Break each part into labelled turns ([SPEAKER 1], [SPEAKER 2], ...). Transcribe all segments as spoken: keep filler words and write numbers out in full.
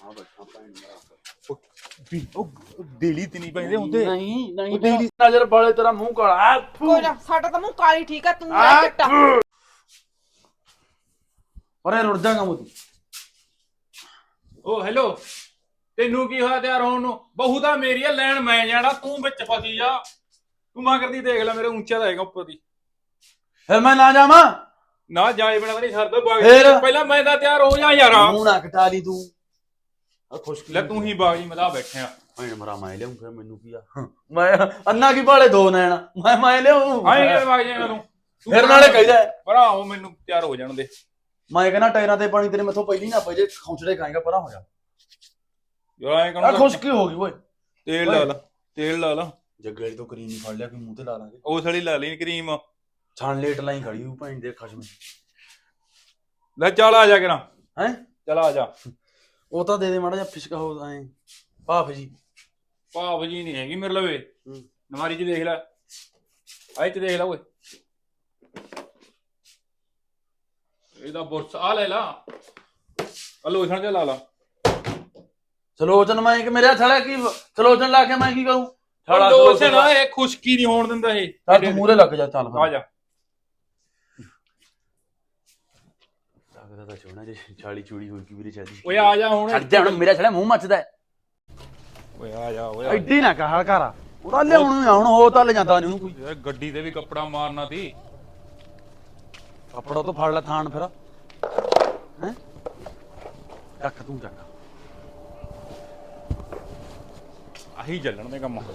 [SPEAKER 1] ਦੇਲੀ ਤੇ ਨਹੀਂ ਪੈਂਦੇ ਹੁੰਦੇ।
[SPEAKER 2] ਨਹੀਂ ਨਹੀਂ ਦੇਲੀ ਨਜ਼ਰ ਵਾਲੇ ਤੇਰਾ ਮੂੰਹ ਕਾਲਾ।
[SPEAKER 3] ਕੋਈ ਨਾ ਸਾਡਾ ਤਾਂ ਮੂੰਹ ਕਾਲੀ ਠੀਕ ਆ, ਤੂੰ ਆ ਚਿੱਟਾ।
[SPEAKER 2] ਅਰੇ ਰੁੜ ਜਾਗਾ ਮੋਦੀ।
[SPEAKER 1] ਓ ਹੈਲੋ, ਤੈਨੂੰ ਕੀ ਹੋਇਆ ਤਿਆਰ ਹੋਣ ਨੂੰ? ਬਹੂ ਤਾਂ ਮੇਰੀ ਆ, ਲੈਣ ਮੈਂ ਜਾਣਾ, ਤੂੰ ਵਿੱਚ ਫਸੀ ਜਾ। ਤੂੰ ਮਾਂ ਕਰਦੀ ਦੇਖ ਲੈ, ਮੇਰੇ ਉੱਚਾ ਤਾਂ ਹੈਗਾ ਉੱਪਰ ਦੀ।
[SPEAKER 2] ਫਿਰ ਮੈਂ ਨਾ ਜਾਵਾਂ?
[SPEAKER 1] ਨਾ ਜਾਏ ਬਣਾ ਨਹੀਂ ਸਰਦਾ ਬਾਗ।
[SPEAKER 2] ਫਿਰ?
[SPEAKER 1] ਪਹਿਲਾਂ ਮੈਂ ਤਾਂ ਤਿਆਰ ਹੋ ਜਾ ਯਾਰ।
[SPEAKER 2] ਮੂੰਹ ਨਾ ਕਟਾ ਲਈ ਤੂੰ। ਆ ਖੁਸ਼ਕੀ
[SPEAKER 1] ਲੈ ਤੂੰ ਹੀ ਬਾਗ ਜੀ ਮਦਾ ਬੈਠਿਆ।
[SPEAKER 2] ਮੈਂ ਮਰਾ ਮੈਂ ਲਿਆਉਂ, ਫਿਰ ਮੈਨੂੰ ਕੀ ਆ? ਮੈਂ ਅੰਨਾ ਕੀ ਭਾਲੇ ਦੋ ਨੈਣ ਮੈਂ ਮੈਂ ਲਿਆਉਂ।
[SPEAKER 1] ਆਏ ਯਾਰ ਬਾਗ ਜਾਏਗਾ ਤੂੰ।
[SPEAKER 2] ਫਿਰ ਨਾਲੇ ਕਹਿੰਦਾ
[SPEAKER 1] ਭਰਾ ਉਹ ਮੈਨੂੰ ਤਿਆਰ ਹੋ ਜਾਣ ਦੇ।
[SPEAKER 2] ਮੈਂ ਕਹਿੰਦਾ ਟਾਇਰਾਂ ਤੇ ਪਾਣੀ ਤੇਰੇ ਮੈਥੋਂ ਪਹਿਲੀ ਨਾ ਪਏ, ਜੇ ਖੌਂਚੜੇ ਖਾਏਗਾ ਪਰਾਂ ਹੋ ਜਾ
[SPEAKER 1] ਯਾਰ। ਐ
[SPEAKER 2] ਆ
[SPEAKER 1] ਕਹਣਾ
[SPEAKER 2] ਖੁਸ਼ਕੀ ਹੋ ਗਈ ਓਏ।
[SPEAKER 1] ਤੇਲ ਲਾ ਲਾ, ਤੇਲ ਲਾ ਲਾ।
[SPEAKER 2] ਜੱਗੇ ਤੋਂ ਕਰੀਮ ਹੀ ਫੜ ਲਿਆ, ਕੋਈ ਮੂੰਹ ਤੇ ਲਾ ਲਾਂਗੇ।
[SPEAKER 1] ਉਸ ਵਾਲੀ ਲਾ ਲਈ ਕਰੀਮ।
[SPEAKER 2] ਛਾਣ ਲੇਟ ਲਾਈ ਖੜੀ ਹੂੰ ਭੈਣ ਦੇ ਖਸ਼ਮ।
[SPEAKER 1] ਲੈ ਚੱਲ ਆ ਜਾ ਕਰਾਂ।
[SPEAKER 2] ਹੈ
[SPEAKER 1] ਚੱਲ ਆ ਜਾ।
[SPEAKER 2] ਉਹ ਤਾਂ ਦੇ ਦੇ ਮਾੜਾ ਜਿਹਾ ਫਿਸ਼ਕਾ ਹੋ ਐ ਭਾਫ ਜੀ।
[SPEAKER 1] ਭਾਫ ਜੀ ਨਹੀਂ ਹੈਗੀ ਮੇਰੇ ਲਵੇ। ਨਮਾਰੀ ਚ ਦੇਖ ਲੈ, ਆਏ ਚ ਦੇਖ ਲੈ ਓਏ। ਇਹਦਾ ਬੁਰਸ ਆ ਲੈ ਲਾ, ਆ ਲੋਸ਼ਨ ਜਿਹਾ ਲਾ ਲਾ।
[SPEAKER 2] ਸਲੋਚਨ ਮੈਂ ਕਿ ਮੇਰੇ ਥੜਾ ਕੀ ਸਲੋਚਨ ਲਾ ਕੇ ਮੈਂ ਕੀ ਕਰੂੰ?
[SPEAKER 1] ਥੜਾ ਲੋਸ਼ਨ ਆ, ਇਹ ਖੁਸ਼ਕੀ ਨਹੀਂ ਹੋਣ ਦਿੰਦਾ ਇਹ।
[SPEAKER 2] ਚੱਲ ਤੂੰ ਮੂਹਰੇ ਲੱਗ ਜਾ। ਚੱਲ
[SPEAKER 1] ਆ ਜਾ।
[SPEAKER 2] ਲੱਗਦਾ ਤਾਂ ਸੋਹਣਾ ਜੇ ਛਾਲੀ ਚੂੜੀ ਹੋਈ ਕੀ ਵੀਰੇ ਚਾਦੀ।
[SPEAKER 1] ਓਏ ਆ ਜਾ ਹੁਣ।
[SPEAKER 2] ਛੱਡ ਜਾ ਹੁਣ, ਮੇਰਾ ਛੜਾ ਮੂੰਹ ਮੱਚਦਾ।
[SPEAKER 1] ਓਏ ਆ ਜਾ ਓਏ।
[SPEAKER 2] ਐਡੀ ਨਾ ਕਹਾ ਘਰਾ ਉਹਦਾ ਲਿਆਉਣ ਨੂੰ ਹੁਣ ਹੋ ਤਾਂ ਲੈ ਜਾਂਦਾ ਨਹੀਂ ਉਹਨੂੰ ਕੋਈ।
[SPEAKER 1] ਯਾਰ ਗੱਡੀ ਤੇ ਵੀ ਕੱਪੜਾ ਮਾਰਨਾ ਸੀ।
[SPEAKER 2] ਕੱਪੜਾ ਤੋਂ ਫੜ ਲੈ ਥਾਣ ਫਿਰ। ਹੈ ਚੱਕ ਤੂੰ ਚੱਕ।
[SPEAKER 1] ਆਹੀ ਚੱਲਣ ਦੇ ਕੰਮ।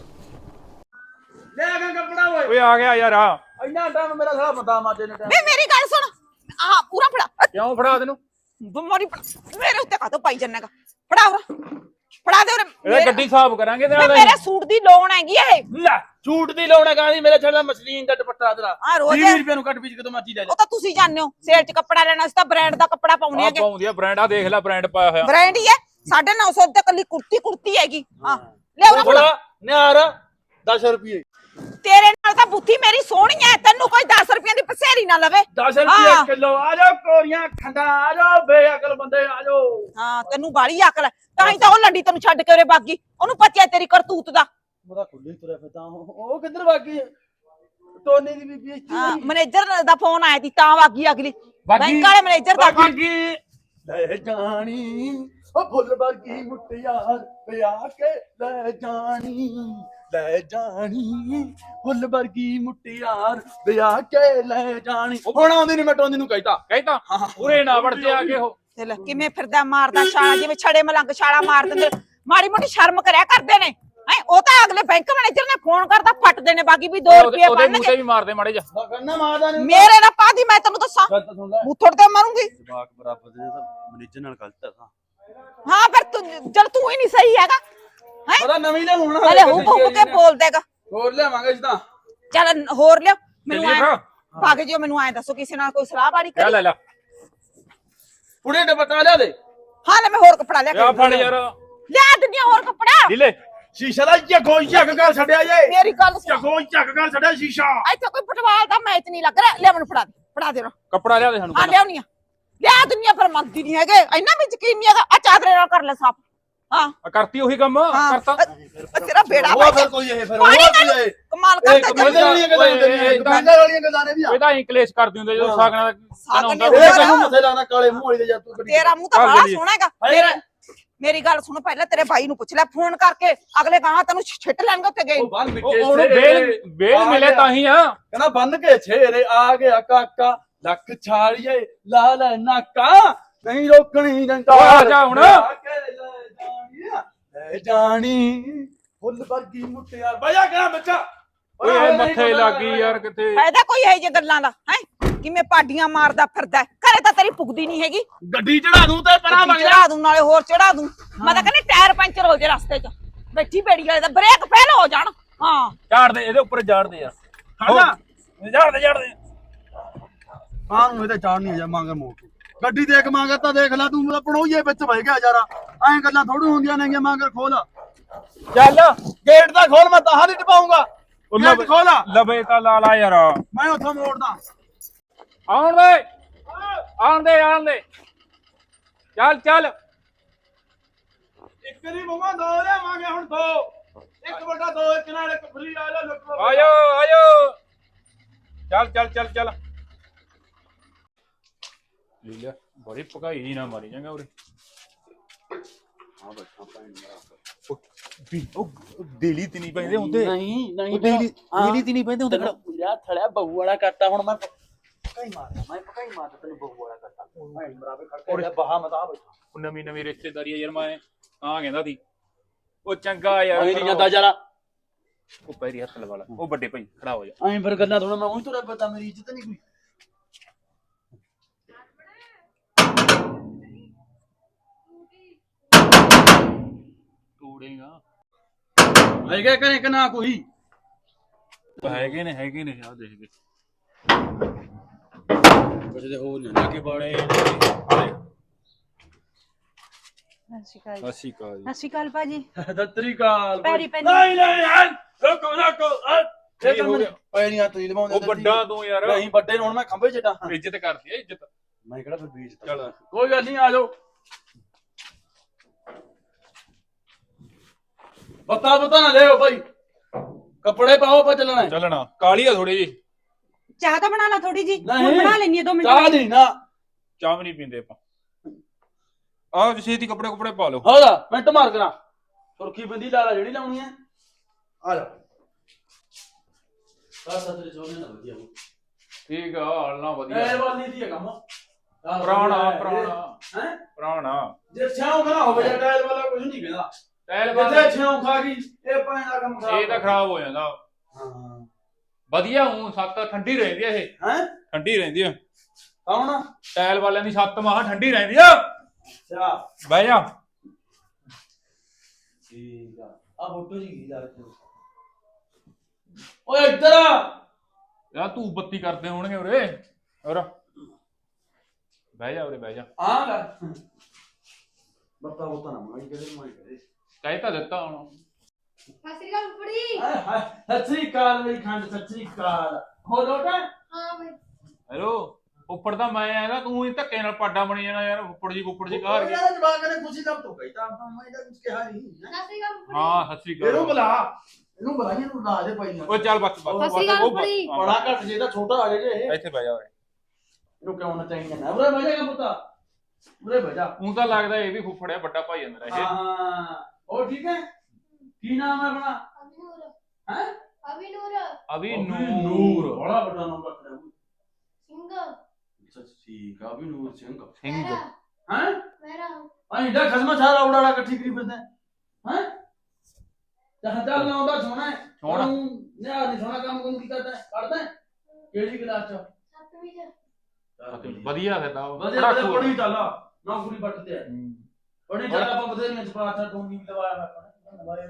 [SPEAKER 2] ਲੈ ਆ ਕੱਪੜਾ ਓਏ।
[SPEAKER 1] ਓਏ ਆ ਗਿਆ ਯਾਰ। ਆ
[SPEAKER 2] ਇੰਨਾ ਟਾਈਮ ਮੇਰਾ ਸਾਲਾ ਬੰਦਾ ਮਾਜੇ ਨੇ ਟਾਈਮ।
[SPEAKER 3] ਵੇ ਮੇਰੀ ਗੱਲ ਸੁਣ, ਆਹ ਪੂਰਾ ਫੜਾ।
[SPEAKER 1] ਕਿਉਂ ਫੜਾ ਤੈਨੂੰ?
[SPEAKER 3] ਬਿਮਾਰੀ ਮੇਰੇ ਉੱਤੇ ਕਾਹਤੋਂ ਪਾਈ ਜੰਨੇਗਾ? ਫੜਾ ਉਰਾ, ਫੜਾ ਦੇ ਉਰੇ।
[SPEAKER 1] ਇਹ ਗੱਡੀ ਸਾਫ਼ ਕਰਾਂਗੇ ਤੇ
[SPEAKER 3] ਵੇ ਮੇਰੇ ਸੂਟ ਦੀ ਲੋਨ ਹੈਗੀ ਇਹ।
[SPEAKER 2] ਲੈ ਝੂਟ ਦੀ ਲਾਉਣਾ ਗਾਂਦੀ ਮੇਰਾ ਛੜਾ ਮਸਲੀਨ ਦਾ ਦੁਪੱਟਾ ਤੇਰਾ
[SPEAKER 3] ਆ ਰੋਜ਼
[SPEAKER 2] ਵੀਹ ਰੁਪਏ ਨੂੰ ਕੱਟ ਪੀਚ ਕਦੋਂ ਮਰਜੀ ਲੈ ਲੈ।
[SPEAKER 3] ਉਹ ਤਾਂ ਤੁਸੀਂ ਜਾਣਦੇ ਹੋ, ਸੇਲ 'ਚ ਕੱਪੜਾ ਲੈਣਾ ਸੀ ਤਾਂ ਬ੍ਰਾਂਡ ਦਾ ਕੱਪੜਾ ਪਾਉਣੇ
[SPEAKER 1] ਆ
[SPEAKER 3] ਹੈਗੇ।
[SPEAKER 1] ਪਾਉਂਦੀ ਆ ਬ੍ਰਾਂਡ। ਆ ਦੇਖ ਲੈ ਬ੍ਰਾਂਡ ਪਾਇਆ ਹੋਇਆ।
[SPEAKER 3] ਬ੍ਰਾਂਡ ਹੀ ਹੈ। ਸਾਢੇ ਨੌ ਸੌ ਤੇ ਕੱਲੀ ਕੁਰਤੀ ਕੁਰਤੀ ਹੈਗੀ। ਹਾਂ ਲੈ ਉਰਾ ਫੜਾ।
[SPEAKER 2] ਨਿਆਰ ਦਸ ਰੁਪਏ।
[SPEAKER 3] ਤੇਰੇ ਨਾਲ ਤਾਂ ਬੁੱਧੀ ਮੇਰੀ ਸੋਹਣੀ ਐ, ਤੈਨੂੰ ਕੋਈ ਦਸ ਰੁਪਏ ਦੀ ਪਸੇਰੀ ਨਾ ਲਵੇ।
[SPEAKER 2] ਦਸ ਰੁਪਏ ਕਿਲੋ। ਆ ਜਾਓ ਕੋਰੀਆਂ ਖੰਡਾ, ਆ ਜਾਓ ਬੇਅਕਲ ਬੰਦੇ, ਆ ਜਾਓ।
[SPEAKER 3] ਹਾਂ ਤੈਨੂੰ ਬਾਲੀ ਅਕਲ ਹੈ, ਤਾਂ ਹੀ ਤਾਂ ਉਹ ਲੰਡੀ ਤੈਨੂੰ ਛੱਡ ਕੇ ਉਰੇ ਬਾਗੀ। ਉਹਨੂੰ ਪਤਾ ਤੇਰੀ ਕਰਤੂਤ ਦਾ।
[SPEAKER 2] ਉਹਦਾ ਖੁੱਲੇ ਤੁਰਿਆ ਫਿਰਦਾ। ਉਹ ਕਿੱਧਰ ਵਾਗੀ? ਟੋਨੀ ਦੀ ਬੀਬੀ ਇੱਥੇ।
[SPEAKER 3] ਹਾਂ ਮੈਨੇਜਰ ਦਾ ਫੋਨ ਆਇਆ ਸੀ ਤਾਂ ਵਾਗੀ ਅਗਲੀ।
[SPEAKER 2] ਬਾਗੀ-
[SPEAKER 3] ਬੈਂਕ ਵਾਲੇ ਮੈਨੇਜਰ ਦਾ ਫੋਨ।
[SPEAKER 2] ਬਾਗੀ ਲੈ ਜਾਣੀ ਉਹ ਫੁੱਲ ਵਰਗੀ ਮੁਟਿਆਰ ਵਿਆਹ ਕੇ ਲੈ ਜਾਣੀ, ਲੈ ਜਾਣੀ ਫੁੱਲ ਵਰਗੀ ਮੁਟਿਆਰ ਵਿਆਹ ਕੇ ਲੈ ਜਾਣੀ। ਹੁਣ ਆਉਂਦੀ ਨੀ, ਮੈਂ ਟੋਨੀ ਨੂੰ ਕਹਿਤਾ
[SPEAKER 1] ਕਹਿਤਾ ਉਰੇ ਨਾ ਵੜ ਜਾ ਕੇ। ਉਹ
[SPEAKER 3] ਤੇ ਲੈ ਕਿਵੇਂ ਫਿਰਦਾ ਮਾਰਦਾ ਛਾਲਾ, ਜਿਵੇਂ ਛੜੇ ਮਲੰਗ ਛਾਲਾ ਮਾਰ ਦਿੰਦੇ। ਮਾੜੀ ਮੋਟੀ ਸ਼ਰਮ ਕਰਿਆ ਕਰਦੇ ਨੇ। ਹੈ ਉਹ ਤਾਂ ਅਗਲੇ ਬੈਂਕ ਮੈਨੇਜਰ ਨੇ ਫੋਨ ਕਰਦਾ ਫੱਟਦੇ ਨੇ ਬਾਕੀ ਵੀ ਦੋ ਰੁਪਏ
[SPEAKER 1] ਉਹਦੇ ਮੂੰਹ
[SPEAKER 3] ਪਾਣਗੇ।
[SPEAKER 1] ਤੇ ਵੀ ਮਾਰਦੇ ਮਾੜੇ ਜਾ।
[SPEAKER 2] ਕਰਨਾ ਮਾਰਦਾ ਨਹੀਂ
[SPEAKER 3] ਮੇਰੇ ਨਾਲ ਪਾਦੀ ਮੈਂ ਤੈਨੂੰ ਦੱਸਾਂ,
[SPEAKER 2] ਗੱਲ ਤਾਂ ਸੁਣ ਲੈ।
[SPEAKER 3] ਮੁੱਥੜ ਤੇ ਮਾਰੂੰਗੀ।
[SPEAKER 2] ਜਵਾਕ ਬਰਾਬਰ ਦੇ ਤਾਂ ਮੈਨੇਜਰ ਨਾਲ ਗਲਤ ਹੈ।
[SPEAKER 3] ਹਾਂ ਫਿਰ ਤੂੰ ਜਦ ਤੂੰ ਹੀ ਨਹੀਂ ਸਹੀ ਹੈਗਾ। ਹੈ
[SPEAKER 2] ਪਤਾ ਨਵੀਂ ਲੈ ਹੁਣ
[SPEAKER 3] ਹਲੇ ਹੁਕ ਹੁਕ ਕੇ ਬੋਲ ਦੇਗਾ।
[SPEAKER 2] ਹੋਰ ਲਿਆਵਾਂਗੇ ਜਿੱਦਾਂ।
[SPEAKER 3] ਚੱਲ ਹੋਰ ਲਿਓ ਮੈਨੂੰ
[SPEAKER 1] ਚੱਲੀਏ
[SPEAKER 3] ਐ
[SPEAKER 1] ਫਿਰ।
[SPEAKER 3] ਭਾਗ ਜਿਓ। ਮੈਨੂੰ ਐ ਦੱਸੋ ਕਿਸੇ ਨਾਲ ਕੋਈ ਸਲਾਹ ਬਾੜੀ
[SPEAKER 1] ਲੈ
[SPEAKER 3] ਕਰੀ?
[SPEAKER 1] ਲੈ ਲੈ
[SPEAKER 2] ਪੁੜੇ ਦੁਪੱਟਾ ਲਿਆ ਦੇ।
[SPEAKER 3] ਹਾਂ ਲੈ ਮੈਂ ਹੋਰ ਕੱਪੜਾ ਲਿਆ
[SPEAKER 1] ਆ
[SPEAKER 3] ਕੇ
[SPEAKER 1] ਫੜ ਯਾਰ।
[SPEAKER 3] ਲਿਆ ਦਿੰਦੀ ਹੋਰ ਕੱਪੜਾ।
[SPEAKER 1] ਢਿੱਲੇ
[SPEAKER 2] ਸ਼ੀਸ਼ਾ ਦਾ ਝੱਗੋ ਝੱਗ ਕਰ ਛੱਡਿਆ ਜੇ।
[SPEAKER 3] ਮੇਰੀ ਗੱਲ ਸੁਣ,
[SPEAKER 2] ਝੱਗੋ ਝੱਗ ਕਰ ਛੱਡਿਆ ਸ਼ੀਸ਼ਾ।
[SPEAKER 3] ਇੱਥੇ ਕੋਈ ਫੁੱਟਬਾਲ ਦਾ ਮੈਚ ਨਹੀਂ ਲੱਗ ਰਿਹਾ। ਲੈ ਮੈਨੂੰ ਫੜਾ ਦੇ, ਫੜਾ ਦੇ।
[SPEAKER 1] ਕੱਪੜਾ ਲਿਆ ਦੇ ਸਾਨੂੰ।
[SPEAKER 3] ਹਾਂ ਲਿਆਉਣੀ ਆ। ਲਿਆ ਦੁਨੀਆ ਪਰ ਮੰਗਦੀ ਨਹੀਂ ਹੈਗੇ, ਇੰਨਾ ਵੀ ਯਕੀਨ ਨਹੀਂ ਹੈਗਾ। ਆ ਚਾਦਰੇ ਨਾਲ ਕਰ ਲੈ ਸਾਫ। ਹਾਂ
[SPEAKER 1] ਆ ਕਰਤੀ ਉਹੀ ਕੰਮ
[SPEAKER 3] ਹਾਂ।
[SPEAKER 1] ਕਰਤਾ।
[SPEAKER 3] ਅ- ਤੇਰਾ ਬੇੜਾ
[SPEAKER 2] ਉਹ ਫਿਰ ਕੋਈ ਇਹ ਫਿਰ ਉਹ
[SPEAKER 3] ਪਾਣੀ
[SPEAKER 2] ਕੀ
[SPEAKER 3] ਨਾਲ
[SPEAKER 2] ਹੈ?
[SPEAKER 3] ਕਮਾਲ
[SPEAKER 2] ਇਹ
[SPEAKER 3] ਕਰਦਾ
[SPEAKER 2] ਕਮਾਲ ਵਾਲੀਆਂ ਗੱਲਾਂ ਹੁੰਦੀਆਂ, ਦੁਕਾਨਦਾਰ ਵਾਲੀਆਂ ਗੱਲਾਂ ਨੇ ਵੀ ਆ।
[SPEAKER 1] ਇਹਦਾ ਇੰਕਲੇਸ਼ ਕਰਦੀ ਹੁੰਦੇ ਜਦੋਂ ਸਾਗਣਾ ਦਾ
[SPEAKER 3] ਸਾਗ
[SPEAKER 1] ਹੁੰਦਾ।
[SPEAKER 3] ਨੇ
[SPEAKER 2] ਇਹ ਤੈਨੂੰ ਮੱਥੇ ਲਾਣਾ ਕਾਲੇ ਮੂੰਹ ਵਾਲੀ ਦੇ ਜਾ ਤੂੰ ਗੱਡੀ।
[SPEAKER 3] ਤੇਰਾ ਮੂੰਹ ਤਾਂ
[SPEAKER 1] ਚੱਲ
[SPEAKER 3] ਬੜਾ
[SPEAKER 1] ਚੱਲੀਏ।
[SPEAKER 3] ਸੋਹਣਾ ਹੈਗਾ।
[SPEAKER 2] ਹਾਏ।
[SPEAKER 3] ਮੇਰਾ ਮੇਰੀ ਗੱਲ ਸੁਣ, ਪਹਿਲਾਂ ਤੇਰੇ ਭਾਈ ਨੂੰ ਪੁੱਛ ਲੈ ਫੋਨ ਕਰਕੇ। ਅਗਲੇ ਕਹਾਂ ਤੈਨੂੰ ਛਿੱਟ ਲੈਣਗੇ ਉੱਥੇ ਗਏ।
[SPEAKER 2] ਉਹ ਬੰਨ
[SPEAKER 1] ਉਹ-
[SPEAKER 2] ਵਿੱਚੇ
[SPEAKER 1] ਉਹਨੂੰ
[SPEAKER 2] ਛੇਰੇ।
[SPEAKER 1] ਬੇਲ ਬੇਲ ਮਿਲੇ ਤਾਂ ਹੀ ਆ।
[SPEAKER 2] ਕਹਿੰਦਾ ਬੰਨ ਕੇ ਛੇਰੇ ਆ ਗਿਆ ਕਾਕਾ ਲੱਖ ਛਾਲੀਏ ਲਾ ਲੈ ਨਾਕਾ ਨਹੀਂ ਰੋਕਣੀ ਜੰਟਾ।
[SPEAKER 1] ਓਏ ਆ ਜਾ ਹੁਣ।
[SPEAKER 2] ਆ ਕੇ ਲੈ ਜਾਣੀ ਆ, ਲੈ ਜਾਣੀ ਫੁੱਲ ਵਰਗੀ ਮੁਟਿਆਰ। ਬਜਾ ਕਿਹੜਾ ਬੱਚਾ
[SPEAKER 1] ਓਏ ਮੱਥੇ ਲੱਗੀ ਯਾਰ ਕਿਤੇ।
[SPEAKER 3] ਫਾਇਦਾ ਕੋਈ ਹੈ ਜੇ ਗੱਲਾਂ ਦਾ? ਹੈ ਕਿਵੇਂ ਪਾਡੀਆਂ ਮਾਰਦਾ ਫਿਰਦਾ ਹੈ। ਘਰੇ ਤਾਂ ਤੇਰੀ ਪੁੱਗਦੀ ਨਹੀਂ ਹੈਗੀ।
[SPEAKER 2] ਗੱਡੀ ਚੜਾ ਦੂੰ ਤੇ ਪਰਾਂ ਵਗ ਜਾ।
[SPEAKER 3] ਚੜਾ ਦੂੰ ਨਾਲੇ ਹੋਰ ਚੜਾ ਦੂੰ। ਮੈਂ ਤਾਂ ਕਹਿੰਦੀ ਟਾਇਰ ਪੈਂਚਰ ਹੋ ਜੇ ਰਸਤੇ 'ਚ। ਬੈਠੀ ਬੇੜੀ ਵਾਲੇ ਦਾ ਬ੍ਰੇਕ ਫੇਲ ਹੋ ਜਾਣ। ਹਾਂ
[SPEAKER 1] ਝਾੜ ਦੇ ਇਹਦੇ ਉੱਪਰ ਝਾੜ ਦੇ ਯਾਰ।
[SPEAKER 2] ਹਾਂ
[SPEAKER 1] ਝਾੜ ਦੇ ਝਾੜ ਦੇ।
[SPEAKER 2] ਹਾਂ ਨੂੰ ਇਹਦੇ ਚਾੜ ਨਹੀਂ ਜਾ ਮੰਗਰ ਮੋੜ ਗੱਡੀ ਦੇਖ ਮੰਗਰ ਤਾਂ ਦੇਖ ਲੈ ਤੂੰ। ਮਤਲਬ ਪਣੋਈਏ ਵਿੱਚ ਵਹਿ ਗਿਆ ਯਾਰਾ। ਐਂ ਗੱਲਾਂ ਥੋੜੀ ਹੁੰਦੀਆਂ ਨੇ ਮੰਗਰ ਖੋਲ
[SPEAKER 1] ਚੱਲ
[SPEAKER 2] ਗੇਟ ਦਾ ਖੋਲ। ਮੈਂ ਤਾਂ ਨਹੀਂ ਟਪਾਉਂਗਾ। ਗੇਟ ਖੋਲ
[SPEAKER 1] ਲਵੇ ਤਾਂ ਲਾ ਲਾ ਯਾਰ।
[SPEAKER 2] ਮੈਂ ਉੱਥੋਂ ਮੋੜਦਾ।
[SPEAKER 1] ਆਉਣ ਦੇ ਆਉਣ ਦੇ ਆਉਣ ਦੇ। ਚੱਲ ਚੱਲ
[SPEAKER 2] ਇੱਕ ਨਹੀਂ ਬੁਮਾ ਦੋ ਲਿਆਵਾਂਗੇ ਹੁਣ ਦੋ ਇੱਕ ਵੱਡਾ ਦੋ ਇੱਕ ਨਾਲ ਇੱਕ ਫਰੀ ਆ ਜਾ ਲੁੱਟ ਲਓ।
[SPEAKER 1] ਆਜੋ ਆਜੋ ਚੱਲ ਚੱਲ ਚੱਲ ਚੱਲ ਲੀਲਾ ਬੜੀ ਭਗਾਈ ਜੀ ਨਾ ਮਾਰੀ ਜਾਂਗਾ ਉਰੇ
[SPEAKER 2] ਹਾਂ ਬੱਚਾ ਭੈਣ ਮੇਰਾ
[SPEAKER 1] ਵੀ ਉਹ ਦੇਲੀ ਤੇ ਨਹੀਂ ਪੈਂਦੇ ਹੁੰਦੇ
[SPEAKER 2] ਨਹੀਂ ਨਹੀਂ
[SPEAKER 1] ਉਹ ਦੇਲੀ ਦੇਲੀ ਤੇ ਨਹੀਂ ਪੈਂਦੇ ਹੁੰਦੇ
[SPEAKER 2] ਮੇਰਾ ਥੜਿਆ ਬਹੂ ਵਾਲਾ ਕਰਤਾ ਹੁਣ ਮੈਂ ਪਕਾਈ ਮਾਰਦਾ ਮੈਂ ਪਕਾਈ ਮਾਰਦਾ ਤੈਨੂੰ ਬਹੂ ਵਾਲਾ ਕਰਤਾ ਭੈਣ ਬਰਾਬਰ ਖੜ ਕੇ ਬਾਹਾ ਮਤਾ ਬੈਠਾ
[SPEAKER 1] ਉਹ ਨਵੀਂ ਨਵੀਂ ਰਿਸ਼ਤੇਦਾਰੀ ਆ ਯਾਰ ਮੈਂ ਆ ਕਹਿੰਦਾ ਸੀ ਉਹ ਚੰਗਾ ਯਾਰ
[SPEAKER 2] ਨਹੀਂ ਜਾਂਦਾ ਜਰਾ
[SPEAKER 1] ਉਹ ਪੈਰੀ ਹੱਥ ਲਵਾ ਲਾ ਉਹ ਵੱਡੇ ਭਾਈ ਖੜਾ ਹੋ ਜਾ
[SPEAKER 2] ਐਂ ਫਿਰ ਗੱਲਾਂ ਥੋੜਾ ਮੈਂ ਉਹੀ ਤੁਰਿਆ ਪਤਾ ਮੇਰੀ ਇੱਜ਼ਤ ਨਹੀਂ ਕੋਈ
[SPEAKER 1] ਤੋੜੇਗਾ
[SPEAKER 2] ਹੈਗਾ ਕਰੇ ਕਿ ਨਾ ਕੋਈ
[SPEAKER 1] ਹੈਗੇ ਨੇ ਹੈਗੇ ਨੇ ਆ ਦੇਖ ਕੇ
[SPEAKER 2] ਕੁਝ ਦੇ ਹੋ ਨਹੀਂ ਲੱਗੇ
[SPEAKER 1] ਬੜੇ
[SPEAKER 3] ਸਤਿ ਸ਼੍ਰੀ ਅਕਾਲ
[SPEAKER 1] ਸਤਿ ਸ਼੍ਰੀ ਅਕਾਲ
[SPEAKER 3] ਸਤਿ ਸ਼੍ਰੀ ਅਕਾਲ ਭਾਜੀ
[SPEAKER 2] ਦਤਰੀ ਕਾਲ
[SPEAKER 3] ਪੈਰੀ ਪੈਰੀ
[SPEAKER 2] ਨਹੀਂ ਨਹੀਂ ਹਾਂ ਰੁਕੋ ਰੁਕੋ ਇਹ
[SPEAKER 1] ਕੀ ਹੋ ਗਿਆ?
[SPEAKER 2] ਪੈਰੀਆਂ ਤੋਂ ਲਵਾਉਂਦੇ
[SPEAKER 1] ਉਹ ਵੱਡਾ ਤੂੰ ਯਾਰ
[SPEAKER 2] ਨਹੀਂ ਵੱਡੇ ਨੂੰ ਹੁਣ ਮੈਂ ਖੰਭੇ ਚਟਾ
[SPEAKER 1] ਇੱਜ਼ਤ ਕਰਦੀ ਆ ਇੱਜ਼ਤ
[SPEAKER 2] ਮੈਂ ਕਿਹੜਾ ਫਿਰ ਬੀਜ
[SPEAKER 1] ਚੱਲ
[SPEAKER 2] ਕੋਈ ਗੱਲ ਨਹੀਂ ਆ ਜਾਓ ਬਤਾ ਬਤਾ ਨਾ ਲਿਓ ਭਾਈ ਕੱਪੜੇ ਪਾਓ ਪਾ ਚੱਲਣਾ
[SPEAKER 1] ਚੱਲਣਾ ਕਾਲੀ ਆ ਥੋੜੀ ਜੀ
[SPEAKER 3] ਚਾਹ ਤਾਂ ਬਣਾ ਲਾ ਥੋੜੀ ਜੀ
[SPEAKER 2] ਨਹੀਂ।
[SPEAKER 3] ਹੁਣ ਬਣਾ ਲੈਣੀ ਦੋ ਮਿੰਟ
[SPEAKER 2] ਚਾਹ ਨਹੀਂ ਨਾ
[SPEAKER 1] ਚਾਹ ਵੀ ਨਹੀਂ ਪੀਂਦੇ ਆਪਾਂ ਆਹ ਕਿਸੇ ਦੀ ਕੱਪੜੇ ਕੁਪੜੇ ਪਾ ਲਓ
[SPEAKER 2] ਹੋਦਾ ਮਿੰਟ ਮਾਰ ਕਰਾਂ ਸੁਰਖੀ ਬਿੰਦੀ ਲਾ ਲਾ ਜਿਹੜੀ ਲਾਉਣੀ ਹੈ ਆ ਜਾ ਸਾਰਾ ਸਤਰੇ ਸੋਨੇ ਨਾ ਵਧੀਆ
[SPEAKER 1] ਠੀਕ ਆ ਹਾਲਣਾ ਵਧੀਆ
[SPEAKER 2] ਇਹ ਵਾਲੀ ਦੀ ਹੈ ਕੰਮ
[SPEAKER 1] ਪੁਰਾਣਾ ਪੁਰਾਣਾ
[SPEAKER 2] ਹੈ
[SPEAKER 1] ਪੁਰਾਣਾ
[SPEAKER 2] ਜੇ ਛਾਉਂ ਖਾ ਹੋਵੇ ਜਾਂ ਟਾਇਲ ਵਾਲਾ ਕੁਝ ਨਹੀਂ ਕਹਿੰਦਾ
[SPEAKER 1] ਟਾਇਲ
[SPEAKER 2] ਜਿੱਥੇ ਛਾਉਂ ਖਾ ਗਈ ਇਹ ਪਾਣੀ ਦਾ ਕੰਮ ਖਰਾਬ
[SPEAKER 1] ਇਹ ਤਾਂ ਖਰਾਬ ਹੋ ਜਾਂਦਾ
[SPEAKER 2] ਹਾਂ
[SPEAKER 1] ਵਧੀਆ ਹੂੰ ਸੱਤ ਠੰਡੀ ਰਹਿੰਦੀ ਆ ਇਹ
[SPEAKER 2] ਹੈ
[SPEAKER 1] ਠੰਡੀ ਰਹਿੰਦੀ ਆ
[SPEAKER 2] ਕੌਣ
[SPEAKER 1] ਟਾਇਲ ਵਾਲਿਆਂ ਦੀ ਸੱਤ ਮਾਹ ਠੰਡੀ ਰਹਿੰਦੀ ਆ
[SPEAKER 2] ਅੱਛਾ
[SPEAKER 1] ਬਹਿ ਜਾ
[SPEAKER 2] ਠੀਕ ਆ ਆ ਫੋਟੋ ਜੀ ਕੀ ਲਾ ਕੇ ਓਏ ਇੱਧਰ ਆ
[SPEAKER 1] ਯਾ ਤੂੰ ਬੱਤੀ ਕਰਦੇ ਹੋਣਗੇ ਉਰੇ ਹੋਰ ਬਹਿ ਜਾ ਉਰੇ ਬਹਿ ਜਾ
[SPEAKER 2] ਆ ਲੈ ਬੱਤਾ ਬੋਤਾ ਨਾ ਮਾਈ ਕਰੇ ਮਾਈ ਕਰੇ
[SPEAKER 1] ਕਹਿ ਤਾਂ ਦਿੱਤਾ ਹੁਣ
[SPEAKER 4] ਸਤਿ ਸ਼੍ਰੀ ਅਕਾਲ ਫੁੱਫੜੀ।
[SPEAKER 2] ਹਾਏ ਹਾਏ ਸਤਿ ਸ੍ਰੀ ਅਕਾਲ ਮੇਰੀ ਖੰਡ ਸਤਿ ਸ੍ਰੀ ਅਕਾਲ ਹੋ ਲੋਟਾ
[SPEAKER 4] ਹਾਂ ਬਈ
[SPEAKER 1] ਹੈਲੋ ਉੱਪਰ ਤਾਂ ਮੈਂ ਆਇਆ ਨਾ ਤੂੰ ਹੀ ਧੱਕੇ ਨਾਲ ਪਾਡਾ ਬਣੀ ਜਾਣਾ ਯਾਰ ਉੱਪਰ ਜੀ ਉੱਪਰ ਜੀ ਕਾਹ ਕੇ
[SPEAKER 2] ਯਾਰ ਜਵਾਕ ਨੇ ਖੁਸ਼ੀ ਦਾ ਤੋਂ ਕਹਿਤਾ ਮੈਂ ਤਾਂ ਕੁਝ ਕਿਹਾ ਨਹੀਂ
[SPEAKER 4] ਸਤਿ ਸ਼੍ਰੀ ਅਕਾਲ ਫੁੱਫੜੀ।
[SPEAKER 1] ਹਾਂ ਸਤਿ ਸ੍ਰੀ
[SPEAKER 2] ਇਹਨੂੰ
[SPEAKER 1] ਅਕਾਲ
[SPEAKER 2] ਬੁਲਾ ਇਹਨੂੰ ਬੁਲਾ ਇਹਨੂੰ ਲਾ ਦੇ ਭਾਈ
[SPEAKER 1] ਓਏ ਚੱਲ ਬਸ ਬਸ
[SPEAKER 4] ਸਤਿ ਸ੍ਰੀ ਅਕਾਲ
[SPEAKER 1] ਉਹ
[SPEAKER 4] ਫੁੱਫੜੀ।
[SPEAKER 1] ਬਸ,
[SPEAKER 2] ਬੜਾ ਘੱਟ ਜੇ ਤਾਂ ਛੋਟਾ ਆ ਜੇ ਇਹ
[SPEAKER 1] ਇੱਥੇ ਬਹਿ ਜਾ ਓਏ
[SPEAKER 2] ਇਹਨੂੰ ਕਿਉਂ ਨਾ ਚਾਹੀਦਾ ਨਾ ਉਰੇ ਬਹਿ ਜਾਗਾ ਪੁੱਤਾ ਉਰੇ ਬਹਿ ਜਾ
[SPEAKER 1] ਤੂੰ ਤਾਂ ਲੱਗਦਾ ਇਹ ਵੀ ਫੁੱਫੜਿਆ ਵੱਡਾ ਭਾਈ ਆ ਮੇਰਾ ਇਹ
[SPEAKER 2] ਹਾਂ ਉਹ ਠੀਕ ਹੈ ਕੀ ਨਾਮ ਹੈ ਆਪਣਾ
[SPEAKER 4] ਅਭਿਨੂਰ
[SPEAKER 2] ਹੈ
[SPEAKER 4] ਅਭਿਨੂਰ
[SPEAKER 1] ਅਭੀ ਨੂਰ
[SPEAKER 2] ਬੜਾ ਵੱਡਾ ਨਾਮ ਰੱਖਿਆ
[SPEAKER 4] ਸਿੰਘ
[SPEAKER 2] ਅੱਛਾ ਠੀਕ ਆ ਵੀ ਨੂਰ ਸਿੰਘ
[SPEAKER 1] ਸਿੰਘ
[SPEAKER 4] ਮੇਰਾ
[SPEAKER 2] ਹੈ
[SPEAKER 4] ਮੇਰਾ
[SPEAKER 2] ਅਹੀਂ ਦਾ ਖਸਮਾ ਸਾਰਾ ਉਡਾੜਾ ਇਕੱਠੀ ਕਰੀ ਫਿਰਦਾ ਹੈ ਜਹਾਂ ਚੱਲ ਨਾ ਉਹਦਾ ਸੋਣਾ ਹੈ
[SPEAKER 1] ਸੋਹਣਾ।
[SPEAKER 2] ਨਿਆ ਨਹੀਂ ਸੋਣਾ ਕੰਮ ਕੰਮ ਕੀ ਕਰਦਾ ਹੈ ਕਰਦਾ ਹੈ ਕਿਹੜੀ ਕਲਾਸ ਚ
[SPEAKER 4] ਸੱਤਵੀਂ ਚ
[SPEAKER 1] ਵਧੀਆ ਫਿਰ ਤਾਂ
[SPEAKER 2] ਵਧੀਆ
[SPEAKER 1] ਬੜਾ
[SPEAKER 2] ਵਧੀਆ
[SPEAKER 1] cool।
[SPEAKER 2] ਪੜੀ ਚੱਲ ਨੌਕਰੀ ਬੱਟ ਤੇ ਹੈ
[SPEAKER 1] ਹੂੰ।
[SPEAKER 2] ਪੜੀ ਚੱਲ ਆਪਾਂ ਬਥੇਰੀਆਂ ਚ ਪਾਠਾ ਤੋਂ ਵੀ ਲਵਾਇਆ ਮੈਂ ਲਵਾਇਆ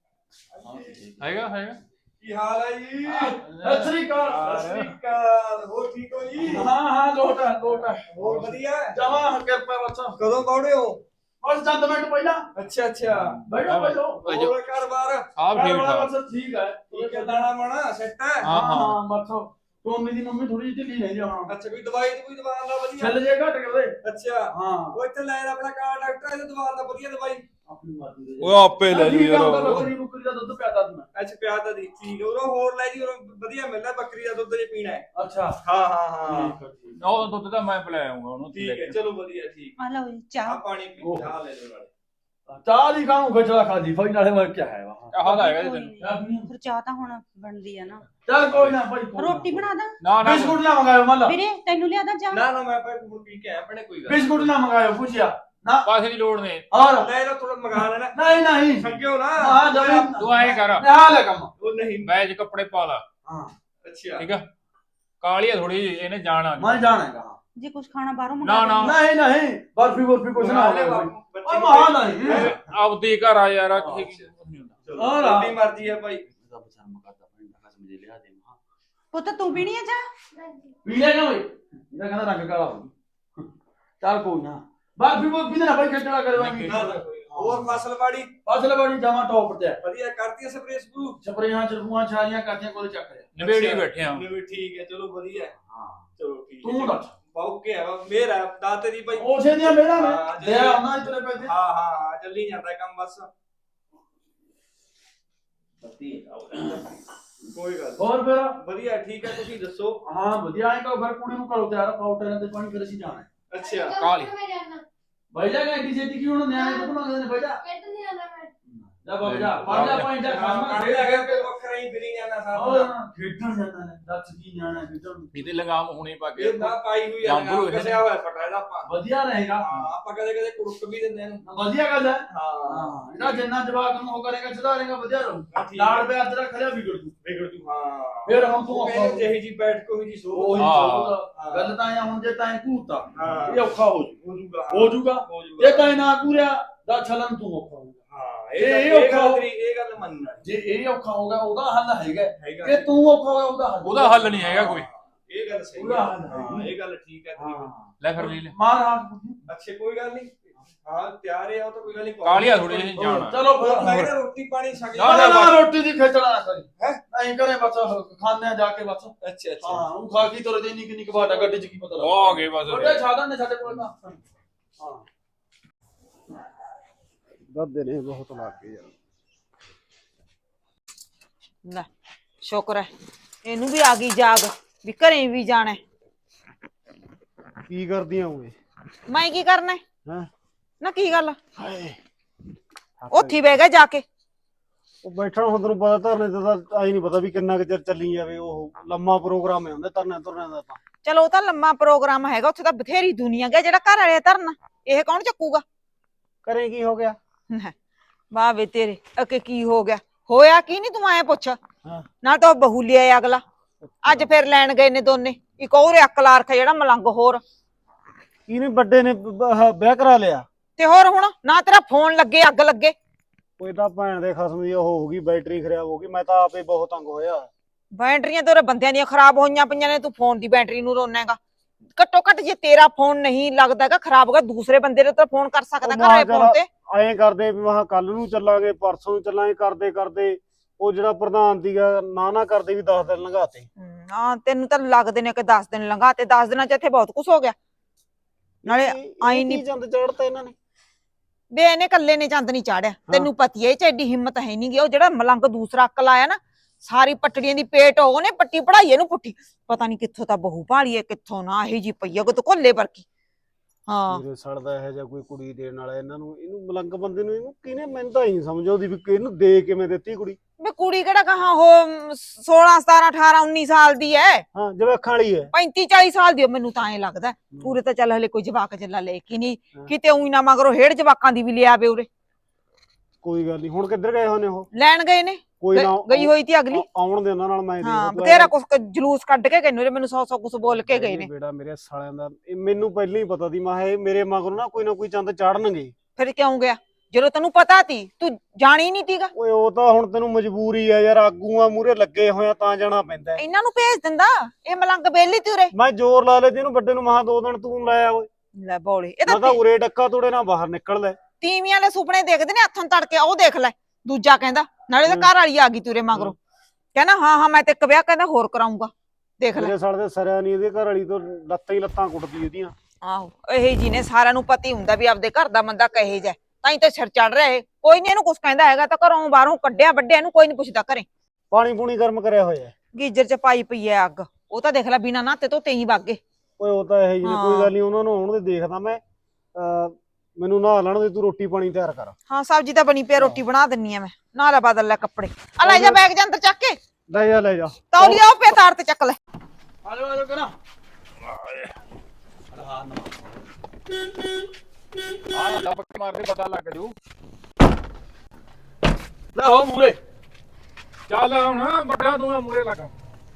[SPEAKER 1] ਹੈਗਾ ਹੈਗਾ
[SPEAKER 5] ਕੀ ਹਾਲ ਹੈ ਜੀ
[SPEAKER 2] ਸਤਿ ਸ੍ਰੀ ਅਕਾਲ
[SPEAKER 5] ਸਤਿ ਸ਼੍ਰੀ ਅਕਾਲ ਹੋਰ ਠੀਕ ਹੋ ਜੀ
[SPEAKER 2] ਹਾਂ ਹਾਂ ਲੋਟਾ ਲੋਟਾ
[SPEAKER 5] ਹੋਰ ਵਧੀਆ
[SPEAKER 2] ਜਮਾ ਕਿਰਪਾ ਬੱਚਾ
[SPEAKER 5] ਕਦੋਂ ਦੌੜੇ ਹੋ
[SPEAKER 2] ਬਸ ਚੰਦ ਮਿੰਟ ਪਹਿਲਾਂ
[SPEAKER 5] ਅੱਛਾ ਅੱਛਾ
[SPEAKER 2] ਬੈਠੋ ਬੈਠੋ
[SPEAKER 5] ਹੋਰ ਘਰ-ਬਾਰ
[SPEAKER 1] ਆਪ ਠੀਕ ਠਾਕ
[SPEAKER 2] ਬਸ ਠੀਕ ਹੈ
[SPEAKER 5] ਠੀਕ ਹੈ ਦਾਣਾ ਮਾਣਾ ਸੈੱਟ ਹੈ
[SPEAKER 1] ਹਾਂ, ਹਾਂ।
[SPEAKER 2] ਹਾਂ ਬਸ ਟੋਮੀ ਦੀ ਮੰਮੀ ਥੋੜੀ ਜਿਹੀ ਢਿੱਲੀ ਰਹਿ ਜਾਣਾ
[SPEAKER 5] ਅੱਛਾ ਕੋਈ ਦਵਾਈ ਤੇ ਕੋਈ ਦਵਾਈ ਦਾ ਵਧੀਆ
[SPEAKER 2] ਛੱਲ ਜੇ ਘਟ ਕੇ ਉਹਦੇ
[SPEAKER 5] ਅੱਛਾ
[SPEAKER 2] ਹਾਂ
[SPEAKER 5] ਉਹ ਇੱਥੇ ਲੈ ਆਪਣਾ ਕਾਰ ਡਾਕਟਰ ਇਹਦੇ ਦਵਾਈ ਦਾ ਵਧੀਆ ਦਵਾਈ
[SPEAKER 2] ਆਪਣੀ ਮਰਜ਼ੀ ਦੇ
[SPEAKER 1] ਉਹ ਆਪੇ ਲੈ ਜੂ ਯਾਰ
[SPEAKER 2] ਬੱਕਰੀ ਬੁੱਕਰੀ ਦਾ ਦੁੱਧ ਪਿਆਦਾ ਤੂੰ
[SPEAKER 5] ਅੱਛਾ ਪਿਆ ਤਾਂ ਦੀ ਠੀਕ ਹੈ ਉਹ ਹੋਰ ਲੈ ਜੀ ਉਹ ਵਧੀਆ ਮਿਲਦਾ ਬੱਕਰੀ ਦਾ ਦੁੱਧ ਜੇ ਪੀਣਾ ਹੈ
[SPEAKER 2] ਅੱਛਾ
[SPEAKER 5] ਹਾਂ ਹਾਂ ਹਾਂ
[SPEAKER 2] ਠੀਕ ਹੈ, ਠੀਕ
[SPEAKER 1] ਉਹ ਦੁੱਧ ਤਾਂ ਮੈਂ ਪਿਲਾਇਆ ਆਉਂਗਾ ਉਹਨੂੰ
[SPEAKER 5] ਠੀਕ ਹੈ ਚਲੋ ਵਧੀਆ ਠੀਕ
[SPEAKER 3] ਆ ਲਓ ਜੀ
[SPEAKER 5] ਆ
[SPEAKER 3] ਚਾਹ
[SPEAKER 5] ਪਾਣੀ ਪੀ ਚਾਹ ਲੈ ਲਓ ਨਾਲੇ
[SPEAKER 2] ਹੈ। ਚਾਹ ਦੀ ਕਾਹਨੂੰ ਖਚਲਾ ਖਾਦੀ ਫੌਜ ਨਾਲੇ ਮੈਂ ਕਿਹਾ ਹੈ ਵਾਹ
[SPEAKER 1] ਆਹ ਦਾ ਹੈਗਾ ਜੀ
[SPEAKER 3] ਕੋਈ
[SPEAKER 1] ਤੈਨੂੰ
[SPEAKER 3] ਨੀ।
[SPEAKER 2] ਚਾਹ ਪੀਣੀ?
[SPEAKER 3] ਫਿਰ ਚਾਹ ਤਾਂ ਹੁਣ ਬਣਦੀ ਆ ਨਾ
[SPEAKER 2] ਚੱਲ ਕੋਈ ਨਾ ਭਾਈ ਕੋਈ ਨਾ।
[SPEAKER 3] ਰੋਟੀ ਬਣਾ ਦਾਂ
[SPEAKER 1] ਨਾ ਨਾ
[SPEAKER 2] ਬਿਸਕੁਟ ਨਾ ਮੰਗਾਇਓ ਮੱਲਾ
[SPEAKER 3] ਵੀਰੇ ਤੈਨੂੰ ਲਿਆ ਦਾਂ ਚਾਹ
[SPEAKER 5] ਨਾ ਨਾ ਮੈਂ ਭਾਈ ਹੁਣ ਪੀ ਕੇ ਆਇਆ ਆਪਣੇ ਕੋਈ ਗੱਲ
[SPEAKER 2] ਬਿਸਕੁਟ ਨਾ ਮੰਗਾਇਓ ਪੁੱਛਿਆ
[SPEAKER 1] ਪਾਸੇ ਦੀ ਲੋੜ ਨਹੀਂ
[SPEAKER 2] ਔਰ
[SPEAKER 5] ਲੈ ਲਓ ਥੋੜਾ ਮੰਗਾ ਲੈਣਾ
[SPEAKER 2] ਨਹੀਂ ਨਹੀਂ
[SPEAKER 5] ਸੰਗਿਓ ਨਾ
[SPEAKER 2] ਹਾਂ ਜਮੀ
[SPEAKER 1] ਤੂੰ ਐਂ ਕਰ
[SPEAKER 2] ਆ ਲੈ ਕੰਮ
[SPEAKER 5] ਉਹ ਨਹੀਂ
[SPEAKER 1] ਬੈਜ ਕੱਪੜੇ ਪਾ ਲਾ
[SPEAKER 2] ਹਾਂ
[SPEAKER 5] ਅੱਛਾ
[SPEAKER 1] ਠੀਕ ਆ ਕਾਲੀ ਆ ਥੋੜੀ ਜਿਹੀ ਇਹਨੇ ਜਾਣਾ
[SPEAKER 2] ਮੈਂ ਜਾਣਾ ਹੈਗਾ
[SPEAKER 3] ਜੇ ਕੁਝ ਖਾਣਾ ਬਾਹਰੋਂ
[SPEAKER 1] ਨਾ,
[SPEAKER 3] ਮੰਗਾ
[SPEAKER 1] ਨਾ।
[SPEAKER 2] ਨਹੀਂ ਨਹੀਂ ਬਰਫੀ ਬਰਫੀ ਕੁਛ ਨਾ
[SPEAKER 5] ਲੈ
[SPEAKER 2] ਹੋਵੇ
[SPEAKER 5] ਬਾਪੂ, ਬੱਚੇ
[SPEAKER 2] ਓ
[SPEAKER 5] ਨੂੰ
[SPEAKER 2] ਮਹਾ ਨਹੀਂ
[SPEAKER 1] ਆਪਦੀ ਘਰ ਆ ਯਾਰ ਕਿਸੇ ਕੀ ਨਹੀਂ ਹੁੰਦਾ
[SPEAKER 5] ਚਲੋ,
[SPEAKER 2] ਹੋਰ ਆ।
[SPEAKER 5] ਤੁਹਾਡੀ ਮਰਜ਼ੀ ਹੈ ਭਾਈ
[SPEAKER 2] ਰੱਬ ਸ਼ਰਮ ਕਰਦਾ ਭਾਈ ਦਾ ਸਮਝ ਲਿਆ ਦੇ ਮਹਾ
[SPEAKER 3] ਪੁੱਤ ਤੂੰ ਪੀਣੀ ਆ ਚਾਹ
[SPEAKER 2] ਪੀ ਲੈ ਨਾ ਓਏ ਇਹਦਾ ਕਹਿੰਦਾ ਰੰਗ ਕਾਲਾ ਹੋ ਗਿਆ ਚੱਲ ਕੋਈ ਨਾ ਬਰਫੀ ਬਰਫੀ ਦੇ ਨਾ ਭਾਈ ਖੇਡਣਾ ਕਰਵਾਂਗੇ
[SPEAKER 5] ਨਾ ਨਾ ਕੋਈ ਹੋਰ ਮਸਲਵਾੜੀ
[SPEAKER 2] ਫਸਲ ਬੜੀ ਜਾਵਾਂ ਟੌਪ ਤੇ
[SPEAKER 5] ਵਧੀਆ ਕਰਤੀ ਸਪਰੇਅ ਸਪਰੂ
[SPEAKER 2] ਸਪਰੇਆਂ ਚਲੂਆਂ ਛਾਲੀਆਂ ਕਾਤੀਆਂ ਕੋਲ ਚੱਕ ਰਿਆ
[SPEAKER 1] ਨਵੇੜੀ ਬੈਠੇ ਆ
[SPEAKER 5] ਵੀ ਠੀਕ ਹੈ ਚਲੋ ਵਧੀਆ
[SPEAKER 2] ਹਾਂ
[SPEAKER 5] ਚਲੋ ਠੀਕ ਹੈ
[SPEAKER 2] ਤੂੰ ਦੱਸ
[SPEAKER 5] ਓਕੇ ਆ ਮੇਰਾ ਦਾਤੇ ਦੀ ਭਾਈ
[SPEAKER 2] ਉਸੇ ਦੀਆਂ ਮੇਰਾ ਨੇ
[SPEAKER 5] ਹਾਂ,
[SPEAKER 2] ਦੇ ਆਉਣਾ ਤੇਰੇ ਪੈਸੇ
[SPEAKER 5] ਹਾਂ ਹਾਂ ਹਾਂ ਚੱਲੀ ਜਾਂਦਾ ਕੰਮ ਬਸ ਕੋਈ ਗੱਲ ਨੀ।
[SPEAKER 2] ਹੋਰ ਫਿਰ
[SPEAKER 5] ਵਧੀਆ ਠੀਕ ਹੈ ਤੁਸੀਂ ਦੱਸੋ
[SPEAKER 2] ਹਾਂ ਵਧੀਆ ਆਏਗਾ ਫਿਰ ਕੁੜੀ ਨੂੰ ਕਰੋ ਤਿਆਰ ਪਾਉ ਟਰਾਂ ਤੇ ਪਾਣੀ ਫਿਰ ਅਸੀਂ ਜਾਣਾ ਹੈ।
[SPEAKER 5] ਅੱਛਾ
[SPEAKER 1] ਕਾਲੀ।
[SPEAKER 4] मैं जाना
[SPEAKER 2] ਭਾਈ ਜਾ ਕੇ ਐਡੀ ਛੇਤੀ ਕੀ ਹੁਣ ਨਿਆਣੇ ਤੋਂ ਮੰਗਦੇ ਨੇ ਭਾਈ ਜਾ
[SPEAKER 4] पेट नहीं आना मैं
[SPEAKER 2] ਜਾ ਬਾਬਾ ਜਾ ਪੜ ਜਾ ਪਾਣੀ ਦਾ ਖਾਣਾ
[SPEAKER 5] ਕਾਹਦੇ ਲੱਗੇ ਕਿ ਵੱਖਰਾ ਹੀ ਫਿਰੀ ਜਾਂਦਾ
[SPEAKER 2] ਹੋਰ
[SPEAKER 5] ਸਾਰਾ
[SPEAKER 2] ਖੇਡਣ ਜਾਂਦਾ ਨੇ ਦੱਸ ਕੀ ਨਿਆਣਾ ਖੇਡਣ ਨੂੰ।
[SPEAKER 1] ਇਹਦੇ ਲਗਾਮ ਹੁਣੇ ਪਾ ਕੇ
[SPEAKER 5] ਇਹ ਨਾ ਪਾਈ ਹੋਈ ਆ
[SPEAKER 1] ਜੰਬਰੂ ਇਹਨੇ।
[SPEAKER 5] ਕਸਿਆ ਹੋਇਆ ਪਟਾ ਇਹਦਾ ਆਪਾਂ
[SPEAKER 2] ਵਧੀਆ ਰਹੇਗਾ
[SPEAKER 5] ਹਾਂ ਆਪਾਂ ਕਦੇ ਕਦੇ ਕੁੜਕ ਵੀ ਦਿੰਦੇ ਇਹਨੂੰ
[SPEAKER 2] ਵਧੀਆ ਗੱਲ ਹੈ
[SPEAKER 5] ਹਾਂ
[SPEAKER 2] ਹਾਂ ਇਹਦਾ ਜਿੰਨਾ ਜਵਾਬ ਨੂੰ ਉਹ ਕਰੇਗਾ ਸੁਧਾਰੇਗਾ ਵਧੀਆ ਰਹੂ
[SPEAKER 5] ਠੀਕ ਹੈ।
[SPEAKER 2] ਲਾੜ ਪਿਆਰ ਤੇਰਾ ਖਲਿਆ ਵਿਗੜ ਜੂ
[SPEAKER 5] ਵਿਗੜ ਤੂੰ ਹਾਂ
[SPEAKER 2] ਫਿਰ ਹੁਣ ਤੂੰ ਔਖਾ ਹੋ
[SPEAKER 5] ਜਿਹੀ ਜੀ ਬੈਠ ਕੋਈ ਜੀ ਸੋ
[SPEAKER 2] ਉਹੀ
[SPEAKER 1] ਹਾਂ।
[SPEAKER 2] ਸੋਚਦਾ। ਗੱਲ ਤਾਂ ਆ ਹੁਣ ਜੇ ਤਾਂ ਘੂਤਾ
[SPEAKER 5] ਹਾਂ।
[SPEAKER 2] ਇਹ ਔਖਾ ਹੋ ਜੂ
[SPEAKER 5] ਹੋ ਜੂਗਾ
[SPEAKER 2] ਹੋ ਜੂਗਾ
[SPEAKER 5] ਹੋ ਜੂਗਾ
[SPEAKER 2] ਜੇ ਤਾਂ ਨਾ ਘੂਰਿਆ ਦਾ ਛਲਨ ਤੂੰ ਔਖਾ ਹੋਊਗਾ
[SPEAKER 5] ਹਾਂ
[SPEAKER 2] ਇਹ-
[SPEAKER 5] ਇਹ
[SPEAKER 2] ਇਹ
[SPEAKER 5] ਇਹ
[SPEAKER 2] ਔਖਾ
[SPEAKER 5] ਗੱਲ
[SPEAKER 2] ਹੋ-
[SPEAKER 5] ਤੇਰੀ ਇਹ ਗੱਲ ਮੰਨਣ ਵਾਲੀ
[SPEAKER 2] ਜੇ ਇਹ ਔਖਾ ਹੋਗਾ ਉਹਦਾ ਹੱਲ ਹੈਗਾ
[SPEAKER 5] ਹੈਗਾ
[SPEAKER 2] ਜੇ ਤੂੰ ਔਖਾ ਹੋਗਾ ਉਹਦਾ ਹੱਲ
[SPEAKER 1] ਉਹਦਾ ਹੱਲ ਨਹੀਂ ਹੈਗਾ ਕੋਈ।
[SPEAKER 5] ਇਹ ਗੱਲ ਸਹੀ
[SPEAKER 2] ਉਹਦਾ ਹੱਲ
[SPEAKER 5] ਹਾਂ
[SPEAKER 2] ਹੈ।
[SPEAKER 5] ਇਹ ਗੱਲ ਠੀਕ ਹੈ ਤੇਰੀ।
[SPEAKER 2] ਹਾਂ
[SPEAKER 1] ਲੈ ਫਿਰ ਲੈ ਲੈ
[SPEAKER 2] ਮਾਰ ਹਾਕ
[SPEAKER 5] ਅੱਛੇ ਕੋਈ ਗੱਲ ਨਹੀਂ ਹਾਂ ਤਿਆਰ ਹੈ ਉਹ ਤਾਂ ਕੋਈ ਗੱਲ ਨਹੀਂ
[SPEAKER 1] ਕਾਲੀਆ ਥੋੜੀ ਜਿਹੀ ਜਾਣਾ
[SPEAKER 2] ਚਲੋ ਫਿਰ
[SPEAKER 5] ਮੈਂ ਕਿਹਾ ਰੋਟੀ ਪਾਣੀ ਛਕ
[SPEAKER 1] ਨਾ,
[SPEAKER 2] ਨਾ
[SPEAKER 1] ਨਾ,
[SPEAKER 2] ਨਾ ਰੋਟੀ ਦੀ ਖੇਚੜਾ ਨਾ ਕਰੀ
[SPEAKER 5] ਹੈਂ?
[SPEAKER 2] ਨਹੀਂ ਕਰੇ ਬਸ ਖਾਣੇ ਆ ਜਾ ਕੇ ਬਸ
[SPEAKER 5] ਅੱਛਾ
[SPEAKER 2] ਹਾਂ ਉਹ ਖਾ ਕੇ ਤੁਰ ਦੇ ਨਿੱਕੀ ਨਿੱਕੀ ਬਾਟਾ ਗੱਡੀ ਚ ਕੀ ਪਤਾ
[SPEAKER 1] ਉਹ ਆ ਗਏ ਬਸ
[SPEAKER 2] ਛੋਟੇ ਸਾਧਨ ਨੇ ਸਾਡੇ ਕੋਲ ਤਾਂ ਹਾਂ
[SPEAKER 6] ਦੱਦੇ ਨੇ ਬਹੁਤ ਲੱਗ ਗਏ ਯਾਰ
[SPEAKER 3] ਲੈ ਸ਼ੁਕਰ ਹੈ ਇਹਨੂੰ ਵੀ ਆ ਗਈ ਜਾਗ ਵੀ ਘਰੇ ਵੀ ਜਾਣਾ ਹੈ।
[SPEAKER 6] ਕੀ ਕਰਦੀਆਂ ਓਏ
[SPEAKER 3] ਮੈਂ ਕੀ ਕਰਨਾ ਹੈ?
[SPEAKER 6] ਹਾਂ
[SPEAKER 3] ਨਾ ਕੀ ਗੱਲ
[SPEAKER 6] ਹਾਏ
[SPEAKER 3] ਉੱਥੇ ਹੀ ਬਹਿ ਗਿਆ ਜਾ ਕੇ
[SPEAKER 6] ਉਹ ਬੈਠਣ ਹੁਣ ਤੈਨੂੰ ਪਤਾ ਧਰਨੇ ਤੇ ਤਾਂ ਆਈ ਨਹੀਂ ਪਤਾ ਵੀ ਕਿੰਨਾ ਕੁ ਚਿਰ ਚੱਲੀ ਜਾਵੇ ਉਹ ਲੰਮਾ ਪ੍ਰੋਗਰਾਮ ਹੈ ਹੁੰਦਾ ਧਰਨੇ ਧਰਨੇ ਦਾ ਤਾਂ
[SPEAKER 3] ਚਲੋ ਉਹ ਤਾਂ ਲੰਮਾ ਪ੍ਰੋਗਰਾਮ ਹੈਗਾ ਉੱਥੇ ਤਾਂ ਬਥੇਰੀ ਦੁਨੀਆ ਗਿਆ ਜਿਹੜਾ ਘਰ ਵਾਲੇ ਧਰਨਾ ਇਹ ਕੌਣ ਚੱਕੂਗਾ
[SPEAKER 6] ਕਰੇ ਕੀ ਹੋ ਗਿਆ
[SPEAKER 3] ਵਾਹ ਵੇ ਤੇਰੇ ਅਕੇ ਕੀ ਹੋ ਗਿਆ ਹੋਇਆ ਕੀ ਨਹੀਂ ਤੂੰ ਐ ਪੁੱਛ
[SPEAKER 6] ਹਾਂ
[SPEAKER 3] ਨਾਲ ਤਾਂ ਉਹ ਬਹੂ ਲਿਆ ਅਗਲਾ ਅੱਜ ਫਿਰ ਲੈਣ ਗਏ ਨੇ ਦੋਨੇ ਇੱਕ ਹੋਰ ਅਕਲਾ ਰਖ ਜਿਹੜਾ ਮਲੰਗ ਹੋਰ
[SPEAKER 6] ਇਹਨੇ ਵੱਡੇ ਨੇ ਬ- ਬ- ਆਹ ਵਿਆਹ ਕਰਾ ਲਿਆ
[SPEAKER 3] ਤੇ ਹੋਰ ਹੁਣ ਨਾ ਤੇਰਾ ਫੋਨ ਲੱਗੇ ਅੱਗ ਲੱਗੇ
[SPEAKER 6] ਕੋਈ ਤਾਂ ਭੈਣ ਦੇ ਖਸਮ ਦੀ ਉਹ ਹੋ ਗਈ ਬੈਟਰੀ ਖਰਾਬ ਹੋ ਗਈ ਮੈਂ ਤਾਂ ਆਪੇ ਬਹੁਤ ਤੰਗ ਹੋਇਆ
[SPEAKER 3] ਬੈਟਰੀਆਂ ਤੇਰੇ ਬੰਦਿਆਂ ਦੀਆਂ ਖਰਾਬ ਹੋਈਆਂ ਪਈਆਂ ਨੇ ਤੂੰ ਫੋਨ ਦੀ ਬੈਟਰੀ ਨੂੰ ਰੋਨੇਗਾ ਘੱਟੋ ਘੱਟ ਜੇ ਤੇਰਾ ਫੋਨ ਨਹੀਂ ਲੱਗਦਾ ਹੈਗਾ ਖਰਾਬ ਹੋ ਗਿਆ ਦੂਸਰੇ ਬੰਦੇ ਦੇ ਤਾਂ ਫੋਨ ਕਰ ਸਕਦਾ
[SPEAKER 6] ਉਹ
[SPEAKER 3] ਘਰ ਵਾਲੇ
[SPEAKER 6] ਮਾਂ
[SPEAKER 3] ਫੋਨ ਤੇ
[SPEAKER 6] ਐਂ ਕਰਦੇ ਵੀ ਮਹਾ ਕੱਲ ਨੂੰ ਚੱਲਾਂਗੇ ਪਰਸੋਂ ਨੂੰ ਚੱਲਾਂਗੇ ਕਰਦੇ ਕਰਦੇ ਉਹ ਜਿਹੜਾ ਪ੍ਰਧਾਨ ਸੀਗਾ ਨਾ ਨਾ ਕਰਦੇ ਵੀ ਦਸ ਦਿਨ ਲੰਘਾਤੇ
[SPEAKER 3] ਹਮ, ਹਾਂ ਤੈਨੂੰ ਤਾਂ ਲੱਗਦੇ ਨੇ ਕਿ ਦਸ ਦਿਨ ਲੰਘਾ ਤੇ ਦਸ ਦਿਨਾਂ ਚ ਇੱਥੇ ਬਹੁਤ ਕੁਝ ਹੋ ਗਿਆ ਨਾਲੇ ਆਈ ਨੀ-
[SPEAKER 6] ਚੰਦ ਚੜਤਾ ਇਹਨਾਂ ਨੇ
[SPEAKER 3] ਬੇ ਇਹਨੇ ਕੱਲੇ ਨੇ ਚੰਦ ਨਹੀਂ ਚਾੜਿਆ ਤੈਨੂੰ ਪਤੀ ਐ ਚ ਐਡੀ ਹਿੰਮਤ ਹੈ ਨਹੀਂ ਗੀ ਉਹ ਜਿਹੜਾ ਮਲੰਗ ਦੂਸਰਾ ਅਕਲ ਆਇਆ ਨਾ ਸਾਰੀ ਪੱਟੜੀਆਂ ਦੀ ਪੇਟ ਉਹਨੇ ਪੱਟੀ ਪੜਾਈ ਇਹਨੂੰ ਪੁੱਠੀ ਪਤਾ ਨਹੀਂ ਕਿੱਥੋਂ ਤਾਂ ਬਹੂ ਭਾਲੀ ਐ ਕਿੱਥੋਂ ਨਾ ਇਹੀ ਜੀ ਪਈ ਆ ਤੂੰ ਕੋਲੇ ਵਰਗੀ ਹਾਂ
[SPEAKER 6] ਮੇਰੇ ਸੜਦਾ ਇਹ ਜਾਂ ਕੋਈ ਕੁੜੀ ਦੇਣ ਵਾਲਾ ਇਹਨਾਂ ਨੂੰ ਇਹਨੂੰ ਮਲੰਗ ਬੰਦੇ ਨੂੰ ਇਹਨੂੰ ਕਿਹਨੇ ਮੈਨੂੰ ਤਾਂ ਹੀ ਸਮਝ ਆਉਂਦੀ ਵੀ ਕਿ ਇਹਨੂੰ ਦੇ ਕਿਵੇਂ ਦਿੱਤੀ ਕੁੜੀ
[SPEAKER 3] ਬੇ ਕੁੜੀ ਕਿਹੜਾ ਕਹਾ ਉਹ ਸੋਲਾਂ ਸਤਾਰਾਂ ਅਠਾਰਾਂ ਉੱਨੀ ਸਾਲ ਦੀ ਐ
[SPEAKER 6] ਹਾਂ ਜਿਵੇਂ ਅੱਖਾਂ ਵਾਲੀ ਹੈ
[SPEAKER 3] ਪੈਂਤੀ ਚਾਲੀ ਸਾਲ ਦੀ ਆ, ਮੈਨੂੰ ਤਾਂ ਐ ਲੱਗਦਾ ਪੂਰੇ ਤਾਂ ਚੱਲ ਹਲੇ ਕੋਈ ਜਵਾਕ ਜੱਲਾ ਲੈ ਕੇ ਨਹੀਂ
[SPEAKER 6] ਹਾਂ।
[SPEAKER 3] ਕਿਤੇ ਉਹੀ ਨਾ ਮਗਰੋਂ ਹੇੜ ਜਵਾਕਾਂ ਦੀ ਵੀ ਲਿਆ ਵੇ ਉਰੇ
[SPEAKER 6] ਕੋਈ ਗੱਲ ਨਹੀਂ ਹੁਣ ਕਿੱਧਰ ਗਏ ਹੋਣੇ ਉਹ
[SPEAKER 3] ਲੈਣ ਗਏ ਨੇ
[SPEAKER 6] ਕੋਈ ਨਾ
[SPEAKER 3] ਗਈ ਹੋਈ ਤੀ ਅਗਲੀ
[SPEAKER 6] ਆ- ਆਉਣ ਦੇ ਉਹਨਾਂ ਨਾਲ ਮੈਂ
[SPEAKER 3] ਹਾਂ
[SPEAKER 6] ਦੇਖਦਾ
[SPEAKER 3] ਬਥੇਰਾ ਕੁਛ ਕ- ਜਲੂਸ ਕੱਢ ਕੇ ਗਏ ਨੇ ਉਰੇ, ਮੈਨੂੰ ਸੌ ਸੌ ਕੁਛ ਬੋਲ ਕੇ ਗਏ ਨੇ
[SPEAKER 6] ਬੇੜਾ ਮੇਰੇ ਸਾਲਿਆਂ ਦਾ ਇਹ ਮੈਨੂੰ ਪਹਿਲਾਂ ਹੀ ਪਤਾ ਸੀ ਮੈਂ ਕਿਹਾ ਇਹ ਮੇਰੇ ਮਗਰੋਂ ਨਾ ਕੋਈ ਨਾ ਕੋਈ ਚੰਦ ਚਾੜਨਗੇ
[SPEAKER 3] ਫਿਰ ਕਿਉਂ ਗਿਆ ਜਦੋਂ ਤੈਨੂੰ ਪਤਾ ਤੀ ਤੂੰ ਜਾਣੀ ਨਹੀਂ ਤੀਗਾ
[SPEAKER 6] ਓਏ ਉਹ ਤਾਂ ਹੁਣ ਤੈਨੂੰ ਮਜਬੂਰੀ ਆ ਯਾਰ ਆਗੂਆਂ ਮੂਰੇ ਲੱਗੇ ਹੋਇਆ ਤਾਂ ਜਾਣਾ ਪੈਂਦਾ ਹੈ।
[SPEAKER 3] ਇਹਨਾਂ ਨੂੰ ਭੇਜ ਦਿੰਦਾ ਇਹ ਮਲੰਗ ਬੇਲੀ ਤੀ ਉਰੇ
[SPEAKER 6] ਮੈਂ ਜ਼ੋਰ ਲਾ ਲਿਆ ਤੇ ਇਹਨੂੰ ਵੱਡੇ ਨੂੰ ਮਹਾ ਦੋ ਦਿਨ ਤੂੰ ਲਾਇਆ ਓਏ
[SPEAKER 3] ਲੈ ਬੋਲੇ ਇਹ
[SPEAKER 6] ਮੈਂ ਤਾਂ
[SPEAKER 3] ਤਾਂ
[SPEAKER 6] ਉਰੇ ਡੱਕਾ ਤੋੜੇ ਨਾਲ ਬਾਹਰ ਨਿਕਲ ਲੈ
[SPEAKER 3] ਤੀਵੀਆਂ ਦੇ ਸੁਪਨੇ ਦੇਖਦੇ ਨੇ ਹੱਥਾਂ ਤੜਕੇ ਉਹ ਦੇਖ ਲੈ ਦੂਜਾ ਕਹਿੰਦਾ ਨਾਲੇ ਤਾਂ ਘਰ ਵਾਲੀ ਆ ਗਈ ਤੁਰੇ ਮਗਰੋਂ ਕਹਿੰਦਾ ਹਾਂ ਹਾਂ ਮੈਂ ਤੇ ਇੱਕ ਵਿਆਹ ਕਹਿੰਦਾ ਹੋਰ ਕਰਾਉਂਗਾ ਦੇਖ ਲੈ
[SPEAKER 6] ਮੇਰੇ ਸਾਲ ਦੇ ਸਰਿਆ ਨਹੀਂ ਇਹਦੇ ਘਰ ਵਾਲੀ ਤੋਂ ਲੱਤਾਂ ਹੀ ਲੱਤਾਂ ਕੁੱਟਦੀ ਇਹਦੀਆਂ
[SPEAKER 3] ਆਹੋ ਇਹ ਜੀ ਨੇ ਸਾਰਿਆਂ ਨੂੰ ਪਤੀ ਹੁੰਦਾ ਵੀ ਆਪਦੇ ਘਰ ਦਾ ਬੰਦਾ ਕਹੇ ਜਾ ਤਾਂ ਹੀ ਤਾਂ ਸਿਰ ਚੜ ਰਿਹਾ ਇਹ ਕੋਈ ਨਹੀਂ ਇਹਨੂੰ ਕੁਛ ਕਹਿੰਦਾ ਹੈਗਾ ਤਾਂ ਘਰੋਂ ਬਾਹਰੋਂ ਕੱਢਿਆ ਵੱਡਿਆ ਇਹਨੂੰ ਕੋਈ ਨਹੀਂ ਪੁੱਛਦਾ ਘਰੇ
[SPEAKER 6] ਪਾਣੀ ਪੂਣੀ ਗਰਮ ਕਰਿਆ ਹੋਇਆ
[SPEAKER 3] ਗੀਜਰ ਚ ਪਾਈ ਪਈ ਐ ਅੱਗ ਉਹ ਤਾਂ ਦੇਖ ਲੈ ਬਿਨਾ ਨਾਤੇ ਤੋਂ ਤੇਈ ਵਾਗੇ
[SPEAKER 6] ਓਏ ਉਹ ਤਾਂ ਇਹ ਜੀ ਨੇ, ਕੋਈ
[SPEAKER 3] ਹਾਂ।
[SPEAKER 6] ਗੱਲ ਨਹੀਂ ਉਹਨਾਂ ਨੂੰ ਆਉਣ ਦੇ ਦੇਖਦਾ ਮੈਂ ਅਹ ਮੈਨੂੰ ਨਹਾ ਲੈਣ ਦੇ ਤੂੰ ਰੋਟੀ ਪਾਣੀ ਤਿਆਰ ਕਰ
[SPEAKER 3] ਹਾਂ ਸਬਜ਼ੀ ਤਾਂ ਬਣੀ ਪਿਆ ਰੋਟੀ ਬਣਾ ਦਿੰਨੀ ਆ ਮੈਂ ਨਾਲੇ ਬਦਲ ਲੈ ਕੱਪੜੇ ਆ ਲੈ ਜਾ ਬੈਗ ਦੇ ਅੰਦਰ ਚੱਕ ਕੇ
[SPEAKER 6] ਲੈ ਜਾ ਲੈ ਜਾ
[SPEAKER 3] ਤੌਲੀਆ ਉਹ ਪਿਆ ਤਾਰ ਤੇ ਚੱਕ ਲੈ
[SPEAKER 2] ਆ ਜਾ ਆ ਜਾ ਕਰਾ
[SPEAKER 1] ਆ ਲੱਭ ਕੇ ਮਾਰਦੇ ਪਤਾ ਲੱਗ ਜੂ
[SPEAKER 2] ਲੈ ਹੋ ਮੂਰੇ
[SPEAKER 1] ਚੱਲ ਹੁਣ ਵੱਡਾ ਤੂੰ ਮੂਰੇ ਲੱਗ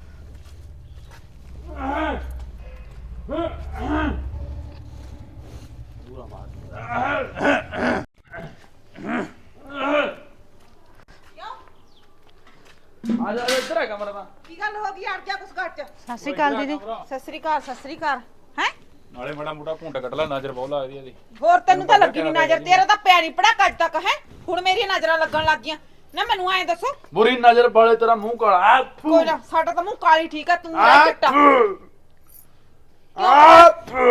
[SPEAKER 2] ਆ ਜਾ ਇੱਧਰ ਹੈ ਕਮਰਾ ਦਾ
[SPEAKER 3] ਕੀ ਗੱਲ ਹੋ ਗਈ ਅੜ ਜਾ ਕੁਛ ਘੱਟ
[SPEAKER 7] ਸਤਿ ਸ਼੍ਰੀ ਅਕਾਲ ਦੀਦੀ
[SPEAKER 3] ਸਤਿ ਸ੍ਰੀ ਅਕਾਲ ਸਤਿ ਸ੍ਰੀ ਅਕਾਲ ਹੈ
[SPEAKER 1] ਨਾਲੇ ਮਾੜਾ ਮੋਟਾ ਘੁੰਡ ਕੱਢ ਲੈ ਨਜ਼ਰ ਬਹੁਤ ਲੱਗਦੀ ਇਹਦੀ
[SPEAKER 3] ਹੋਰ ਤੈਨੂੰ ਤਾਂ ਲੱਗੀ ਨਹੀਂ ਨਜ਼ਰ ਤੇਰਾ ਤਾਂ ਪਿਆ ਨਹੀਂ ਪੜਾ ਕੱਜ ਤੱਕ ਹੈ ਹੁਣ ਮੇਰੀਆਂ ਨਜ਼ਰਾਂ ਲੱਗਣ ਲੱਗ ਗਈਆਂ ਨਾ ਮੈਨੂੰ ਐਂ ਦੱਸੋ
[SPEAKER 2] ਬੁਰੀ ਨਜ਼ਰ ਵਾਲੇ ਤੇਰਾ ਮੂੰਹ ਕਾਲਾ ਆ, ਫੂ।
[SPEAKER 3] ਕੋਈ ਨਾ ਸਾਡਾ ਤਾਂ ਮੂੰਹ ਕਾਲੀ ਠੀਕ ਆ ਤੂੰ ਆ ਚਿੱਟਾ
[SPEAKER 2] ਆ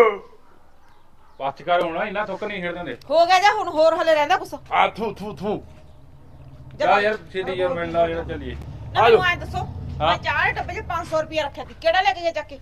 [SPEAKER 1] ਪੱਚ ਕਰ ਹੋਣਾ ਇੰਨਾ ਥੁੱਕ ਨਹੀਂ ਖੇਡਦੇ ਹੁੰਦੇ
[SPEAKER 3] ਹੋ ਗਿਆ ਜਾਂ ਹੁਣ ਹੋਰ ਹਲੇ ਰਹਿੰਦਾ ਕੁਛ
[SPEAKER 2] ਆ ਥੂ ਥੂ ਥੂ
[SPEAKER 1] ਜਾ ਯਾਰ ਛੇਤੀ ਯਾਰ ਮਿਲਣਾ ਜਿਹੜਾ ਚੱਲੀਏ
[SPEAKER 3] ਨਾ ਮੈਨੂੰ ਐਂ ਦੱਸੋ ਮੈਂ
[SPEAKER 1] ਹਾਂ।
[SPEAKER 3] ਚਾਹ ਦੇ ਡੱਬੇ 'ਚ ਪੰਜ ਸੌ ਰੁਪਇਆ ਰੱਖਿਆ ਸੀ ਕਿਹੜਾ ਲੈ ਕੇ ਗਿਆ ਚੱਕ ਕੇ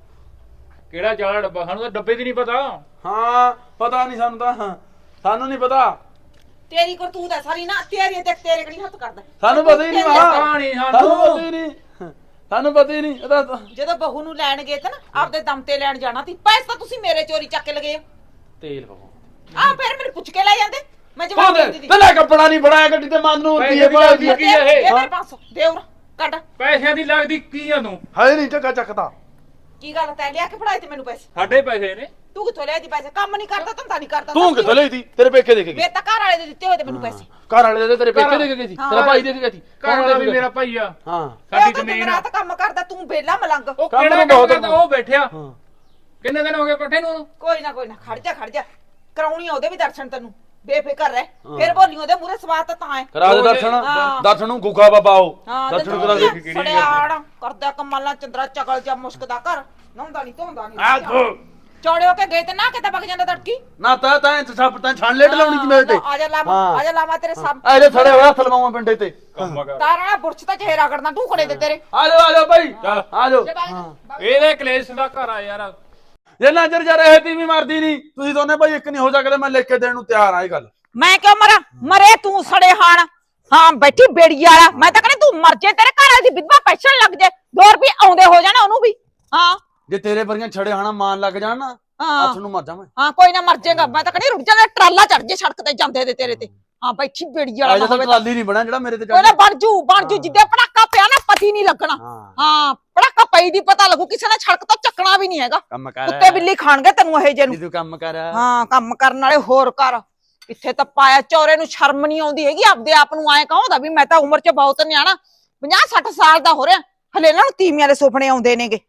[SPEAKER 1] ਕਿਹੜਾ ਚਾਲਾ ਡੱਬਾ ਸਾਨੂੰ ਤਾਂ ਡੱਬੇ ਦੀ ਨਹੀਂ ਪਤਾ
[SPEAKER 2] ਹਾਂ ਪਤਾ ਨਹੀਂ ਸਾਨੂੰ ਤਾਂ ਹਾਂ, ਸਾਨੂੰ ਨਹੀਂ ਪਤਾ
[SPEAKER 3] ਤੇਰੀ ਕਰਤੂਤ ਹੈ ਸਾਰੀ ਨਾ ਤੇਰੀ ਤੇ ਤੇਰੇ ਕਿਹੜੀ ਹੱਥ ਕਰਦਾ
[SPEAKER 2] ਸਾਨੂੰ ਪਤਾ ਹੀ ਨਹੀਂ
[SPEAKER 3] ਤੇਰੇ
[SPEAKER 2] ਮਹਾ
[SPEAKER 1] ਪਤਾ ਨਹੀਂ
[SPEAKER 2] ਸਾਨੂੰ
[SPEAKER 1] ਸਾਨੂੰ
[SPEAKER 2] ਪਤਾ ਹੀ ਨਹੀਂ ਸਾਨੂੰ ਪਤਾ ਹੀ ਨਹੀਂ ਇਹਦਾ ਤਾਂ-
[SPEAKER 3] ਜਦੋਂ ਬਹੂ ਨੂੰ ਲੈਣ ਗਏ ਤੇ ਨਾ ਆਪਦੇ ਦਮ ਤੇ ਲੈਣ ਜਾਣਾ ਸੀ ਪੈਸੇ ਤਾਂ ਤੁਸੀਂ ਮੇਰੇ ਚੋਰੀ ਚੱਕ ਕੇ ਲਗੇ
[SPEAKER 1] ਤੇਲ ਪਾਓ
[SPEAKER 3] ਆ ਫਿਰ ਮੈਨੂੰ ਪੁੱਛ ਕੇ ਲੈ ਜਾਂਦੇ ਮੈਂ ਜਵਾਬ
[SPEAKER 2] ਉਹਦੇ
[SPEAKER 3] ਦੇ ਦਿੰਦੀ
[SPEAKER 2] ਤੇਲਾ ਕੱਪੜਾ ਨਹੀਂ ਬਣਾਇਆ ਗੱਡੀ ਤੇ ਮਨ ਨੂੰ ਹੁੰਦੀ ਹੈ
[SPEAKER 1] ਪੈਸੇ ਦੀ
[SPEAKER 2] ਭਾਜੀ
[SPEAKER 1] ਕੀ ਹੈ ਇਹ?
[SPEAKER 3] ਇਹ ਪੰਜ ਸੌ ਦੇ ਉਰਾ ਕੱਢ
[SPEAKER 1] ਪੈਸਿਆਂ ਦੀ ਲੱਗਦੀ ਕੀ ਆ ਤੂੰ
[SPEAKER 2] ਹੈ ਨਹੀਂ ਚੱਕਾ ਚੱਕਦਾ
[SPEAKER 3] ਕੀ ਗੱਲ ਤੈਂ ਲਿਆ ਕੇ ਫੜਾਏ ਤੇ ਮੈਨੂੰ ਪੈਸੇ
[SPEAKER 1] ਸਾਡੇ ਪੈਸੇ ਨੇ
[SPEAKER 3] ਤੂੰ ਕਿੱਥੋਂ ਲਿਆ ਦੀ ਪੈਸੇ ਕੰਮ ਨਹੀਂ ਕਰਦਾ ਧੰਦਾ ਨਹੀਂ ਕਰਦਾ
[SPEAKER 2] ਤੂੰ ਕਿੱਥੋਂ ਲਈ ਸੀ ਤੇਰੇ ਪੇਕੇ ਦੇ ਕੇ ਗਈ
[SPEAKER 3] ਵੇ ਤਾਂ ਘਰ ਵਾਲੇ ਦੇ ਦਿੱਤੇ ਹੋਏ ਤੇ ਮੈਨੂੰ ਪੈਸੇ
[SPEAKER 2] ਘਰ ਵਾਲੇ ਦੇ ਤੇਰੇ ਪੇਕੇ ਦੇ ਕੇ ਗਈ ਸੀ
[SPEAKER 3] ਹਾਂ।
[SPEAKER 2] ਤੇਰਾ ਭਾਈ ਦੇ ਕੇ ਗਈ ਸੀ
[SPEAKER 1] ਘਰ ਵਾਲਾ ਵੀ ਮੇਰਾ ਭਾਈ ਆ
[SPEAKER 2] ਹਾਂ
[SPEAKER 1] ਸਾਡੀ
[SPEAKER 3] ਇਹ ਤਾਂ
[SPEAKER 1] ਜ਼ਮੀਨ
[SPEAKER 3] ਦਿਨ
[SPEAKER 1] ਆ
[SPEAKER 3] ਰਾਤ ਕੰਮ ਕਰਦਾ ਤੂੰ ਬੇਲਾ ਮਲੰਗ
[SPEAKER 1] ਉਹ
[SPEAKER 2] ਕੰਮ
[SPEAKER 1] ਕਿਹੜਾ
[SPEAKER 2] ਨੂੰ
[SPEAKER 1] ਕੰਮ
[SPEAKER 2] ਬਹੁਤ
[SPEAKER 1] ਕਰਦਾ ਉਹ ਬੈਠਿਆ
[SPEAKER 2] ਹਾਂ
[SPEAKER 1] ਕਿੰਨੇ ਦਿਨ ਹੋ ਗਏ ਪੱਠੇ ਨੂੰ
[SPEAKER 3] ਕੋਈ ਨਾ ਕੋਈ ਨਾ ਖੜ ਜਾ ਖੜ ਜਾ ਕਰਾਉਣੀ ਆ ਉਹਦੇ ਵੀ ਦਰਸ਼ਨ ਤੈਨੂੰ ਬੇਫਿਕਰ ਰਹਿ ਫਿਰ ਬੋਲੀ ਉਹਦੇ ਮੂਰੇ ਸਵਾਦ ਤਾਂ ਤਾਂ ਹੈ
[SPEAKER 2] ਕਰਾ ਦੇ ਦਰਸ਼ਨ
[SPEAKER 3] ਹਾਂ।
[SPEAKER 2] ਦਰਸ਼ਨ ਨੂੰ ਗੁੱਗਾ ਬਾਬਾ ਆਓ
[SPEAKER 3] ਹਾਂ
[SPEAKER 2] ਦਰਸ਼ਨ ਕਰਾ ਦੇ
[SPEAKER 1] ਕਿਹੜੀ
[SPEAKER 3] ਸੜਿਆੜ ਕਰਦਾ ਕਮਾਲਾਂ ਚੰਦਰਾ ਚਗਲ ਜਾਂ ਮੁਸ਼ਕਦਾ ਘਰ ਨਹਾਉਂਦਾ ਨਹੀਂ ਧੋਂਦਾ
[SPEAKER 2] ਆ
[SPEAKER 3] ਨਹੀਂ
[SPEAKER 2] ਥੋ
[SPEAKER 3] ਚੌੜੇ ਹੋ ਕੇ ਗਏ ਤੇ ਨਾ ਕਿਤੇ ਵਗ ਜਾਂਦਾ ਤੜਕੀ
[SPEAKER 2] ਨਾ ਤਾਂ ਤਾਂ ਸੱਪ ਤਾਂ ਛਾਣ ਲੇਟ ਲਾਉਣੀ ਸੀ ਮੇਰੇ ਤੇ
[SPEAKER 3] ਆ ਜਾ ਲਾਵਾ
[SPEAKER 2] ਹਾਂ।
[SPEAKER 3] ਆ ਜਾ ਲਾਵਾ ਤੇਰੇ ਸਾਹਮ
[SPEAKER 2] ਆ ਇਹਦੇ ਥੜੇ ਹੋਇਆ ਥਲਵਾਵਾਂ ਪਿੰਡੇ ਤੇ
[SPEAKER 1] ਕੰਮ ਕਰ
[SPEAKER 3] ਤਾਰਾ ਬੁਰਚ ਤਾਂ ਚਿਹਰਾ ਕਰਦਾ ਢੂਕੜੇ ਦੇ ਤੇਰੇ
[SPEAKER 2] ਆ ਜਾਓ ਆ ਜਾਓ ਭਾਈ
[SPEAKER 1] ਚੱਲ।
[SPEAKER 2] ਆ ਜਾਓ
[SPEAKER 3] ਜੇ ਬਾਈ-
[SPEAKER 2] ਹਾਂ।
[SPEAKER 3] ਬਾਈ-
[SPEAKER 1] ਇਹਦੇ ਕਲੇਸ਼ ਦਾ ਘਰ ਆ ਯਾਰ
[SPEAKER 2] ਜੇ ਨਜ਼ਰ ਜਾ ਰਹੇ ਤੀ ਵੀ ਮਰਦੀ ਨਹੀਂ ਤੁਸੀਂ ਦੋਨੇ ਭਾਈ ਇੱਕ ਨਹੀਂ ਹੋ ਸਕਦੇ ਮੈਂ ਲਿਖ ਕੇ ਦੇਣ ਨੂੰ ਤਿਆਰ ਆ ਇਹ ਗੱਲ
[SPEAKER 3] ਮੈਂ ਕਿਉਂ ਮਰਾਂ ਮਰੇ ਤੂੰ ਸੜੇ ਹਾਣ ਹਾਂ ਬੈਠੀ ਬੇੜੀ ਵਾਲਾ ਮੈਂ ਤਾਂ ਕਹਿੰਦੀ ਤੂੰ ਮਰ ਜੇ ਤੇਰੇ ਘਰ ਵਾਲੀ ਦੀ ਵਿਧਵਾ ਪੈਨਸ਼ਨ ਲੱਗ ਜੇ ਦੋ ਰੁਪਏ ਆਉਂਦੇ ਹੋ ਜਾਣ ਉਹਨੂੰ ਵੀ ਹਾਂ
[SPEAKER 2] ਜੇ ਤੇਰੇ ਵਰਗੀਆਂ ਛੜੇ ਹਾਣਾ ਮਾਨ ਲੱਗ ਜਾਣ ਨਾ
[SPEAKER 3] ਹਾਂ
[SPEAKER 2] ਹੱਥ ਨੂੰ ਮਰ ਜਾ ਮੈਂ
[SPEAKER 3] ਹਾਂ ਕੋਈ ਨਾ ਮਰ ਜਾਏਗਾ ਮੈਂ ਤਾਂ ਕਹਿੰਦੀ ਰੁਕ ਜਾ ਟਰਾਲਾ ਚੜ ਜੇ ਸੜਕ ਤੇ ਜਾਂਦੇ ਦੇ ਤੇਰੇ ਤੇ ਹਾਂ ਬੈਠੀ ਬੇੜੀ ਵਾਲਾ
[SPEAKER 2] ਅਜੇ
[SPEAKER 3] ਨਾ
[SPEAKER 2] ਤਾਂ
[SPEAKER 3] ਹੋਵੇ ਤਾਂ
[SPEAKER 2] ਟਰਾਲੀ ਨਹੀਂ ਬਣਾ ਜਿਹੜਾ ਮੇਰੇ ਤੇ
[SPEAKER 3] ਉਹਨੇ
[SPEAKER 2] ਚੜ੍ਹ
[SPEAKER 3] ਬਣ ਜੂ ਬਣ ਜੂ ਜਿੱਦੇ ਪੜਾਕਾ ਪਿਆ ਨਾ ਪਤੀ ਨਹੀਂ ਲੱਗਣਾ
[SPEAKER 2] ਹਾਂ
[SPEAKER 3] ਹਾਂ ਪੜਾਕਾ ਪਈ ਦੀ ਪਤਾ ਲੱਗੂ ਕਿਸੇ ਨੇ ਸੜਕ ਤੋਂ ਚੱਕਣਾ ਵੀ ਨਹੀਂ ਹੈਗਾ
[SPEAKER 2] ਕੰਮ ਕਰ
[SPEAKER 3] ਕੁੱਤੇ ਬਿੱਲੀ ਖਾਣਗੇ ਤੈਨੂੰ ਇਹ ਜੇ ਨੂੰ
[SPEAKER 2] ਤੂੰ ਕੰਮ ਕਰ
[SPEAKER 3] ਹਾਂ ਕੰਮ ਕਰਨ ਵਾਲੇ ਹੋਰ ਕਰ ਇੱਥੇ ਤਾਂ ਪਾਇਆ ਚੌਰੇ ਨੂੰ ਸ਼ਰਮ ਨਹੀਂ ਆਉਂਦੀ ਹੈਗੀ ਆਪਦੇ ਆਪ ਨੂੰ ਐ ਕਹੋਂਦਾ ਵੀ ਮੈਂ ਤਾਂ ਉਮਰ 'ਚ ਬਹੁਤ ਨਿਆਣਾ ਪੰਜਾਹ ਸੱਠ ਸਾਲ ਦਾ ਹੋ ਰਿਹਾ ਹਲੇ ਇਹਨਾਂ ਨੂੰ ਤੀਵੀਆਂ ਦੇ ਸੁਪਨੇ ਆਉਂਦੇ ਨੇਗੇ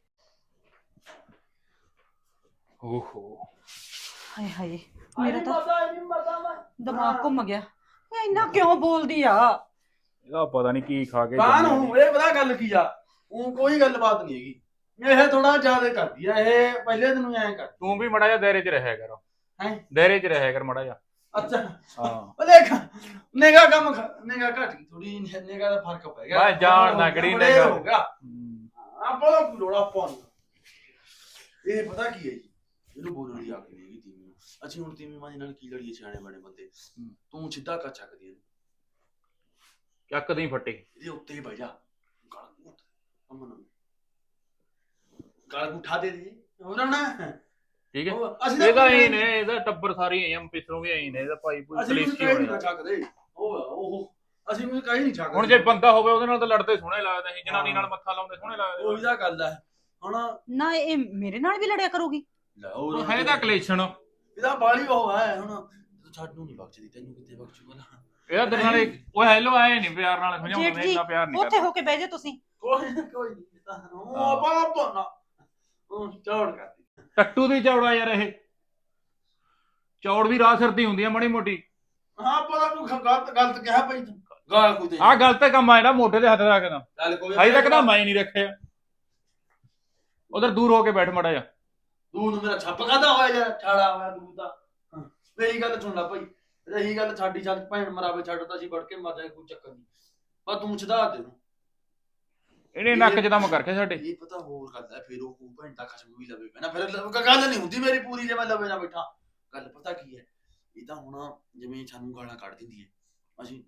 [SPEAKER 1] ਓਹੋ
[SPEAKER 7] ਹਾਏ ਹਾਏ ਮੇਰਾ ਤਾਂ ਦਿਮਾਗ ਘੁੰਮ ਗਿਆ ਇਹ ਇੰਨਾ ਕਿਉਂ ਬੋਲਦੀ ਆ
[SPEAKER 1] ਇਹਦਾ ਪਤਾ ਨਹੀਂ ਕੀ ਖਾ ਕੇ
[SPEAKER 2] ਕਾਨ
[SPEAKER 1] ਜੰਮਿਆ
[SPEAKER 2] ਨੂੰ ਇਹ ਪਤਾ ਗੱਲ ਕੀ ਆ ਉਹ ਕੋਈ ਗੱਲਬਾਤ ਨਹੀਂ ਹੈਗੀ ਇਹ ਥੋੜਾ ਜ਼ਿਆਦਾ ਕਰਦੀ ਆ ਇਹ ਪਹਿਲੇ ਦਿਨ ਨੂੰ ਐਂ ਕਰ
[SPEAKER 1] ਤੂੰ ਵੀ ਮੜਾ ਜਾ ਦਾਇਰੇ 'ਚ ਰਹਿਆ ਕਰ
[SPEAKER 2] ਹੈਂ?
[SPEAKER 1] ਦਾਇਰੇ 'ਚ ਰਹਿਆ ਕਰ ਮੜਾ ਜਾ
[SPEAKER 2] ਅੱਛਾ
[SPEAKER 1] ਹਾਂ
[SPEAKER 2] ਉਹ ਦੇਖ ਨਿਗਾ ਕੰਮ ਨਿਗਾ ਘਟ ਗਈ ਥੋੜੀ ਨਿਗਾ ਦਾ ਫਰਕ ਪੈ ਗਿਆ
[SPEAKER 1] ਮੈਂ ਜਾਣਦਾ ਕਿਹੜੀ ਨਿਗਾਹ।
[SPEAKER 2] ਹੋ ਗਿਆ ਆਪਾਂ ਦਾ ਲੋੜਾ ਪਾਉਣ ਇਹ ਪਤਾ ਕੀ ਹੈ ਜੀ ਇਹਨੂੰ ਬੋਲਣ ਦੀ ਆਕਲ ਨਹੀਂ ਹੈਗੀ ਤੀਵੀਂ ਨੂੰ ਅਸੀਂ ਹੁਣ ਤੀਵੀਂ ਮਾਂ ਨਾਲ ਕੀ ਲੜੀਏ ਸਿਆਣੇ ਬਣੇ ਬੰਦੇ ਤੂੰ ਸਿੱਧਾ ਕਰ ਚੱਕਦੀ ਹੈ
[SPEAKER 1] ਚੱਕ ਦੀ ਫੱਟੀ
[SPEAKER 2] ਇਹਦੇ ਉੱਤੇ ਹੀ ਬਹਿ ਜਾ ਗਲ ਘੁੱਟ ਅਮਨ ਗਲ ਉਠਾ ਦੇ ਦੇ ਹੋਰ ਨਾ
[SPEAKER 1] ਠੀਕ ਹੈ
[SPEAKER 2] ਉਹ ਅਸੀਂ
[SPEAKER 1] ਇਹਦਾ ਹੀ ਨੇ ਇਹਦਾ ਟੱਬਰ ਸਾਰੀ ਐਂ ਪਿਛਲੋਂ ਵੀ ਐਂ ਨੇ ਇਹਦਾ ਭਾਈ ਕੋਈ
[SPEAKER 2] ਅਸੀਂ ਕੁਝ
[SPEAKER 1] ਕਲੇਸ਼ੀ
[SPEAKER 2] ਕਹਿ ਨਹੀਂ
[SPEAKER 1] ਹੋਇਆ
[SPEAKER 2] ਚੱਕਦੇ ਉਹ ਉਹ ਅਸੀਂ ਕੁਝ ਕਹਿ ਨਹੀਂ ਚੱਕਦੇ
[SPEAKER 1] ਹੁਣ ਜੇ ਬੰਦਾ ਹੋਵੇ ਉਹਦੇ ਨਾਲ ਤਾਂ ਲੜਦੇ ਸੋਹਣੇ ਲੱਗਦੇ ਸੀ ਜਨਾਨੀ ਨਾਲ ਮੱਥਾ ਲਾਉਂਦੇ ਸੋਹਣੇ ਲੱਗਦੇ
[SPEAKER 2] ਉਹੀ ਤਾਂ ਗੱਲ ਹੈ ਹੁਣ
[SPEAKER 7] ਨਾ ਇਹ ਮੇਰੇ ਨਾਲ ਵੀ ਲੜਿਆ ਕਰੂਗੀ
[SPEAKER 2] ਲੈ
[SPEAKER 1] ਉਹ ਹੈ ਤਾਂ ਕਲੇਸ਼ਨ
[SPEAKER 2] ਇਹਦਾ ਬਾਲੀ ਉਹ ਹੈ ਹੁਣ ਤੂੰ ਛੱਡ ਨੂੰ ਨਹੀਂ ਬਖਸ਼ਦੀ ਤੈਨੂੰ ਕਿੱਥੇ ਬਖਸ਼ੂਗਾ ਨਾ
[SPEAKER 1] ਇਹਦਾ ਤੇਰੇ ਨਾਲ ਇੱਕ- ਉਹ ਹੈਲੋ ਆਏ ਨਹੀਂ ਪਿਆਰ ਨਾਲ ਸਮਝਾਉਂਦੇ
[SPEAKER 7] ਜੇਠ
[SPEAKER 1] ਨੇ
[SPEAKER 7] ਜੀ
[SPEAKER 1] ਇੰਨਾ ਪਿਆਰ ਨਹੀਂ
[SPEAKER 7] ਉੱਥੇ ਹੋ ਕੇ ਬਹਿ ਜਾ ਤੁਸੀਂ
[SPEAKER 2] ਕੋਈ ਨੀ, ਕੋਈ ਨਹੀਂ ਇਹ ਤਾਂ ਉਹ ਬਾਪਾ ਨਾ ਉਹ ਚੌੜ ਕਰਦੀ
[SPEAKER 1] ਟੱਟੂ ਦੀ ਚੌੜਾ ਯਾਰ ਇਹ ਚੌੜ ਵੀ ਰਾਹ ਸਿਰ ਦੀ ਹੁੰਦੀ ਆ ਮਾੜੀ ਮੋਟੀ
[SPEAKER 2] ਹਾਂ ਪਤਾ ਤੂੰ ਗਲਤ ਗਲਤ ਕਿਹਾ ਭਾਈ ਤੂੰ ਗਾਲ ਕੋਈ ਦੇ
[SPEAKER 1] ਆਹ ਗਲਤ ਕੰਮ ਆ ਜਿਹੜਾ ਮੋਢੇ ਦੇ ਹੱਥ ਰੱਖਦਾ
[SPEAKER 2] ਚੱਲ ਕੋਈ
[SPEAKER 1] ਅਜੇ ਤੱਕ ਤਾਂ ਮੈਂ ਨਹੀਂ ਰੱਖਿਆ ਉਧਰ ਦੂਰ ਹੋ ਕੇ ਬੈਠ ਮੜਾ ਜਾ
[SPEAKER 2] ਦੂਰ ਨੂੰ ਮੇਰਾ ਛੱਪ ਕਾਦਾ ਹੋਇਆ ਯਾਰ ਛਾੜਾ ਹੋਇਆ ਦੂਰ ਦਾ ਹਾਂ, ਮੇਰੀ ਗੱਲ ਸੁਣ ਲੈ ਭਾਈ ਰਹੀ ਗੱਲ ਸਾਡੀ ਛੱਡ ਭੈਣ ਮਰਾਵੇ ਛੱਡਦਾ ਸੀ ਵੜ ਕੇ ਮਰ ਜਾਏ ਕੋਈ ਚੱਕਰ ਨਹੀਂ ਪਰ ਤੂੰ ਛਦਾ ਦੇ ਨੂੰ
[SPEAKER 1] ਇਹਨੇ ਨੱਕ 'ਚ ਦਮ ਕਰਕੇ ਸਾਡੇ
[SPEAKER 2] ਇਹ ਪਤਾ ਹੋਰ ਗੱਲ ਹੈ ਫਿਰ ਉਹ ਕੂ ਭੈਣ ਦਾ ਖਸਮ ਵੀ ਲਵੇ ਪੈਣਾ ਫਿਰ ਲ- ਗੱਲ ਨਹੀਂ ਹੁੰਦੀ ਮੇਰੀ ਪੂਰੀ ਜੇ ਮੈਂ ਲਵੇ ਨਾ ਬੈਠਾ ਗੱਲ ਪਤਾ ਕੀ ਹੈ ਇਹ ਤਾਂ ਹੁਣ ਜਿਵੇਂ ਸਾਨੂੰ ਗਾਲਾਂ ਕੱਢ ਦਿੰਦੀ ਹੈ ਅਸੀਂ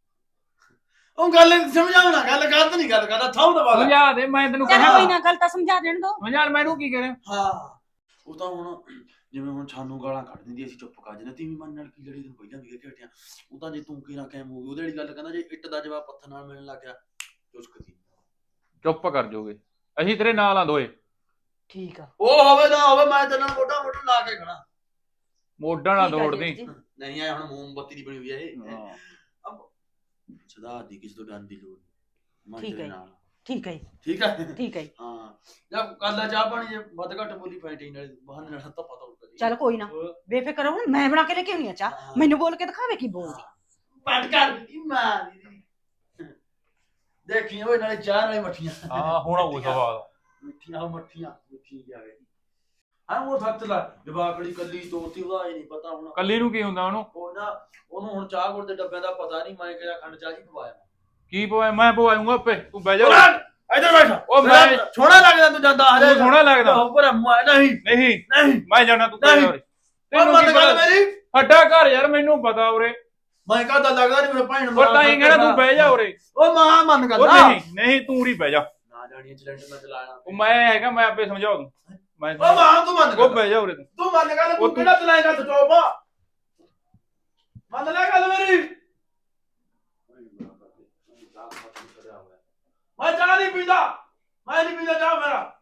[SPEAKER 2] ਉਹ ਗੱਲ ਸਮਝਾਉਣਾ ਗੱਲ ਗਲਤ ਨਹੀਂ ਗੱਲ ਕਰਦਾ ਥਾਉ ਦਾ ਬਾਲਾ
[SPEAKER 1] ਸਮਝਾ ਦੇ ਮੈਂ ਤੈਨੂੰ
[SPEAKER 7] ਚੱਲ
[SPEAKER 1] ਕਿਹਾ
[SPEAKER 7] ਕੋਈ ਨਾ ਗੱਲ ਤਾਂ ਸਮਝਾ ਦੇਣ ਦੋ
[SPEAKER 1] ਸਮਝਾ ਮੈਨੂੰ ਕੀ ਕਰਾਂ
[SPEAKER 2] ਹਾਂ ਉਹ ਤਾਂ ਹੁਣ ਜਿਵੇਂ ਹੁਣ ਸਾਨੂੰ ਗਾਲਾਂ ਕੱਢ ਦਿੰਦੀ ਅਸੀਂ ਚੁੱਪ ਕਰ ਜਾਂਦੇ ਤੀਵੀਂ ਮਨ ਨਾਲ ਕੀ ਲੜੀ ਤੈਨੂੰ ਪਹਿਲਾਂ ਵੀ ਕਹਿ ਹਟਿਆ ਉਹ ਤਾਂ ਜੇ ਤੂੰ ਕਿਹੜਾ ਕੈਮ ਹੋ ਗਈ ਉਹਦੇ ਵਾਲੀ ਗੱਲ ਕਹਿੰਦਾ ਜੇ ਇੱਟ ਦਾ ਜਵਾਬ ਪੱਥਰ ਨਾਲ ਮਿਲਣ ਲੱਗ ਗਿਆ ਚੁਸਕਦੀ
[SPEAKER 1] ਚੁੱਪ ਕਰ ਜੋਗੇ ਅਸੀਂ ਤੇਰੇ ਨਾਲ ਆ ਦੋਏ
[SPEAKER 7] ਠੀਕ ਆ
[SPEAKER 2] ਉਹ ਹੋਵੇ ਨਾ ਹੋਵੇ ਮੈਂ ਤੇਰੇ ਨਾਲ ਮੋਢਾ ਮੋਢਾ ਲਾ ਕੇ ਖੜਾ
[SPEAKER 1] ਮੋਢਾ ਨਾ
[SPEAKER 7] ਠੀਕ ਆ
[SPEAKER 1] ਦੌੜਦੀ
[SPEAKER 7] ਜੇਠ ਜੀ।
[SPEAKER 2] ਨਹੀਂ ਐ ਹੁਣ ਮੋਮਬੱਤੀ ਦੀ ਬਣੀ ਹੋਈ ਹੈ ਇਹ
[SPEAKER 1] ਹਾਂ।
[SPEAKER 2] ਸਦਾ ਦੀ ਕਿਸੇ ਤੋਂ ਡਰਨ ਦੀ ਲੋੜ ਨਹੀਂ ਮੈਂ
[SPEAKER 7] ਠੀਕ
[SPEAKER 2] ਤੇਰੇ
[SPEAKER 7] ਹੈ।
[SPEAKER 2] ਨਾਲ
[SPEAKER 7] ਠੀਕ ਹੈ ਜੀ,
[SPEAKER 2] ਠੀਕ ਹੈ
[SPEAKER 7] ਠੀਕ ਹੈ ਜੀ।
[SPEAKER 2] ਹਾਂ ਜਦ ਕਰ ਲੈ ਚਾਹ ਪਾਣੀ ਜੇ ਵੱਧ ਘੱਟ ਬੋਲੀ ਫਾਈਟਿੰਗ ਨਾਲ ਬਹਾਨੇ ਨਾਲ ਤਾਂ ਪਤਾ ਉੱਡ
[SPEAKER 7] ਚੱਲ ਕੋਈ ਨਾ ਬੇਫਿਕਰ ਹੋ, ਹੁਣ ਮੈਂ ਬਣਾ ਕੇ ਲੈ ਕੇ ਆਉਣੀ ਆ ਚਾਹ ਮੈਨੂੰ ਬੋਲ ਕੇ ਦਿਖਾਵੇ ਕੀ ਬੋਲਦੀ
[SPEAKER 2] ਪਟ ਕਰ ਦਿੱਤੀ ਮਾਂ ਦੀ ਦੇਖੀ ਓਏ ਨਾਲੇ ਚਾਹ ਨਾਲੇ ਮੱਠੀਆਂ
[SPEAKER 1] ਹਾਂ ਹੁਣ ਉਹ ਸਵਾਦ
[SPEAKER 2] ਮਿੱਠੀਆਂ ਉਹ ਮੱਠੀਆਂ ਮਿੱਠੀ ਕੀ ਆ ਗਈ ਹਾਂ ਉਹ ਸੱਚ ਲੈ ਜਵਾਕੜੀ ਕੱਲੀ ਤੋਤੀ ਉਹਦਾ ਇਹ ਨਹੀਂ ਪਤਾ ਹੁਣ
[SPEAKER 1] ਕੱਲੀ ਨੂੰ ਕੀ ਹੁੰਦਾ ਉਹਨੂੰ?
[SPEAKER 2] ਉਹ ਨਾ ਉਹਨੂੰ ਹੁਣ ਚਾਹ ਗੁੜ ਦੇ ਡੱਬਿਆਂ ਦਾ ਪਤਾ ਨਹੀਂ ਮੈਂ ਕਿਹੜਾ ਖੰਡ ਚਾਹ ਜੀ ਪਵਾਇਆ
[SPEAKER 1] ਕੀ ਪਵਾਇਆ? ਮੈਂ ਪਵਾਉਂਗਾ ਆਪੇ, ਤੂੰ ਬਹਿ ਜਾ।
[SPEAKER 2] ਇੱਧਰ ਬੈਠ
[SPEAKER 1] ਉਹ ਮੈਂ
[SPEAKER 2] ਸੋਹਣਾ ਲੱਗਦਾ ਤੂੰ ਜਾਂਦਾ
[SPEAKER 1] ਤੂੰ ਸੋਹਣਾ ਲੱਗਦਾ।
[SPEAKER 2] ਪਰ ਮੈਂ ਨਹੀਂ
[SPEAKER 1] ਨਹੀਂ
[SPEAKER 2] ਨਹੀਂ
[SPEAKER 1] ਮੈਂ ਜਾਣਾ, ਤੂੰ
[SPEAKER 2] ਨਹੀਂ।
[SPEAKER 1] ਉਰੇ।
[SPEAKER 2] ਉਹ
[SPEAKER 1] ਤੈਨੂੰ
[SPEAKER 2] ਮਤ
[SPEAKER 1] ਕੀ
[SPEAKER 2] ਗੱਲ
[SPEAKER 1] ਪਤਾ?
[SPEAKER 2] ਮੇਰੀ
[SPEAKER 1] ਅੱਡਾ ਘਰ ਯਾਰ, ਮੈਨੂੰ ਪਤਾ ਉਰੇ।
[SPEAKER 2] ਮੈਂ ਕਹਦਾ ਲੱਗਦਾ ਨਹੀਂ ਮੇਰੇ ਭੈਣ
[SPEAKER 1] ਉਹ ਤਾਂ ਹੀ ਕਹਿਣਾ ਤੂੰ ਬਹਿ ਜਾ ਉਰੇ।
[SPEAKER 2] ਉਹ ਮਾਂ ਮਨ
[SPEAKER 1] ਉਹ
[SPEAKER 2] ਕਰਦਾ
[SPEAKER 1] ਨਹੀਂ ਨਹੀਂ ਤੂੰ ਉਰੀ ਬਹਿ ਜਾ।
[SPEAKER 2] ਨਾ ਜਾਣੀ ਸਿਲੰਡਰ ਮੈਂ ਚਲਾਣਾ
[SPEAKER 1] ਉਹ ਮੈਂ ਹੈਗਾ, ਮੈਂ ਆਪੇ ਸਮਝਾ ਦੂੰ। ਮੈਂ
[SPEAKER 2] ਉਹ ਮਾਂ ਤੂੰ ਮੰਨ
[SPEAKER 1] ਉਹ
[SPEAKER 2] ਕਰ
[SPEAKER 1] ਬਹਿ ਜਾ ਉਰੇ ਤੂੰ।
[SPEAKER 2] ਤੂੰ ਮੰਨ ਕਰ
[SPEAKER 1] ਉਹ
[SPEAKER 2] ਤੂੰ
[SPEAKER 1] ਤੂੰ-
[SPEAKER 2] ਕਿਹੜਾ ਚਲਾਏਗਾ ਤੂੰ ਚੋਪਾ ਮੰਨ ਲੈ ਗੱਲ ਮੇਰੀ ਮੈਂ ਚਾਹ ਨਹੀਂ ਪੀਂਦਾ ਮੈਂ ਨਹੀਂ ਪੀਂਦਾ ਚਾਹ ਮੇਰਾ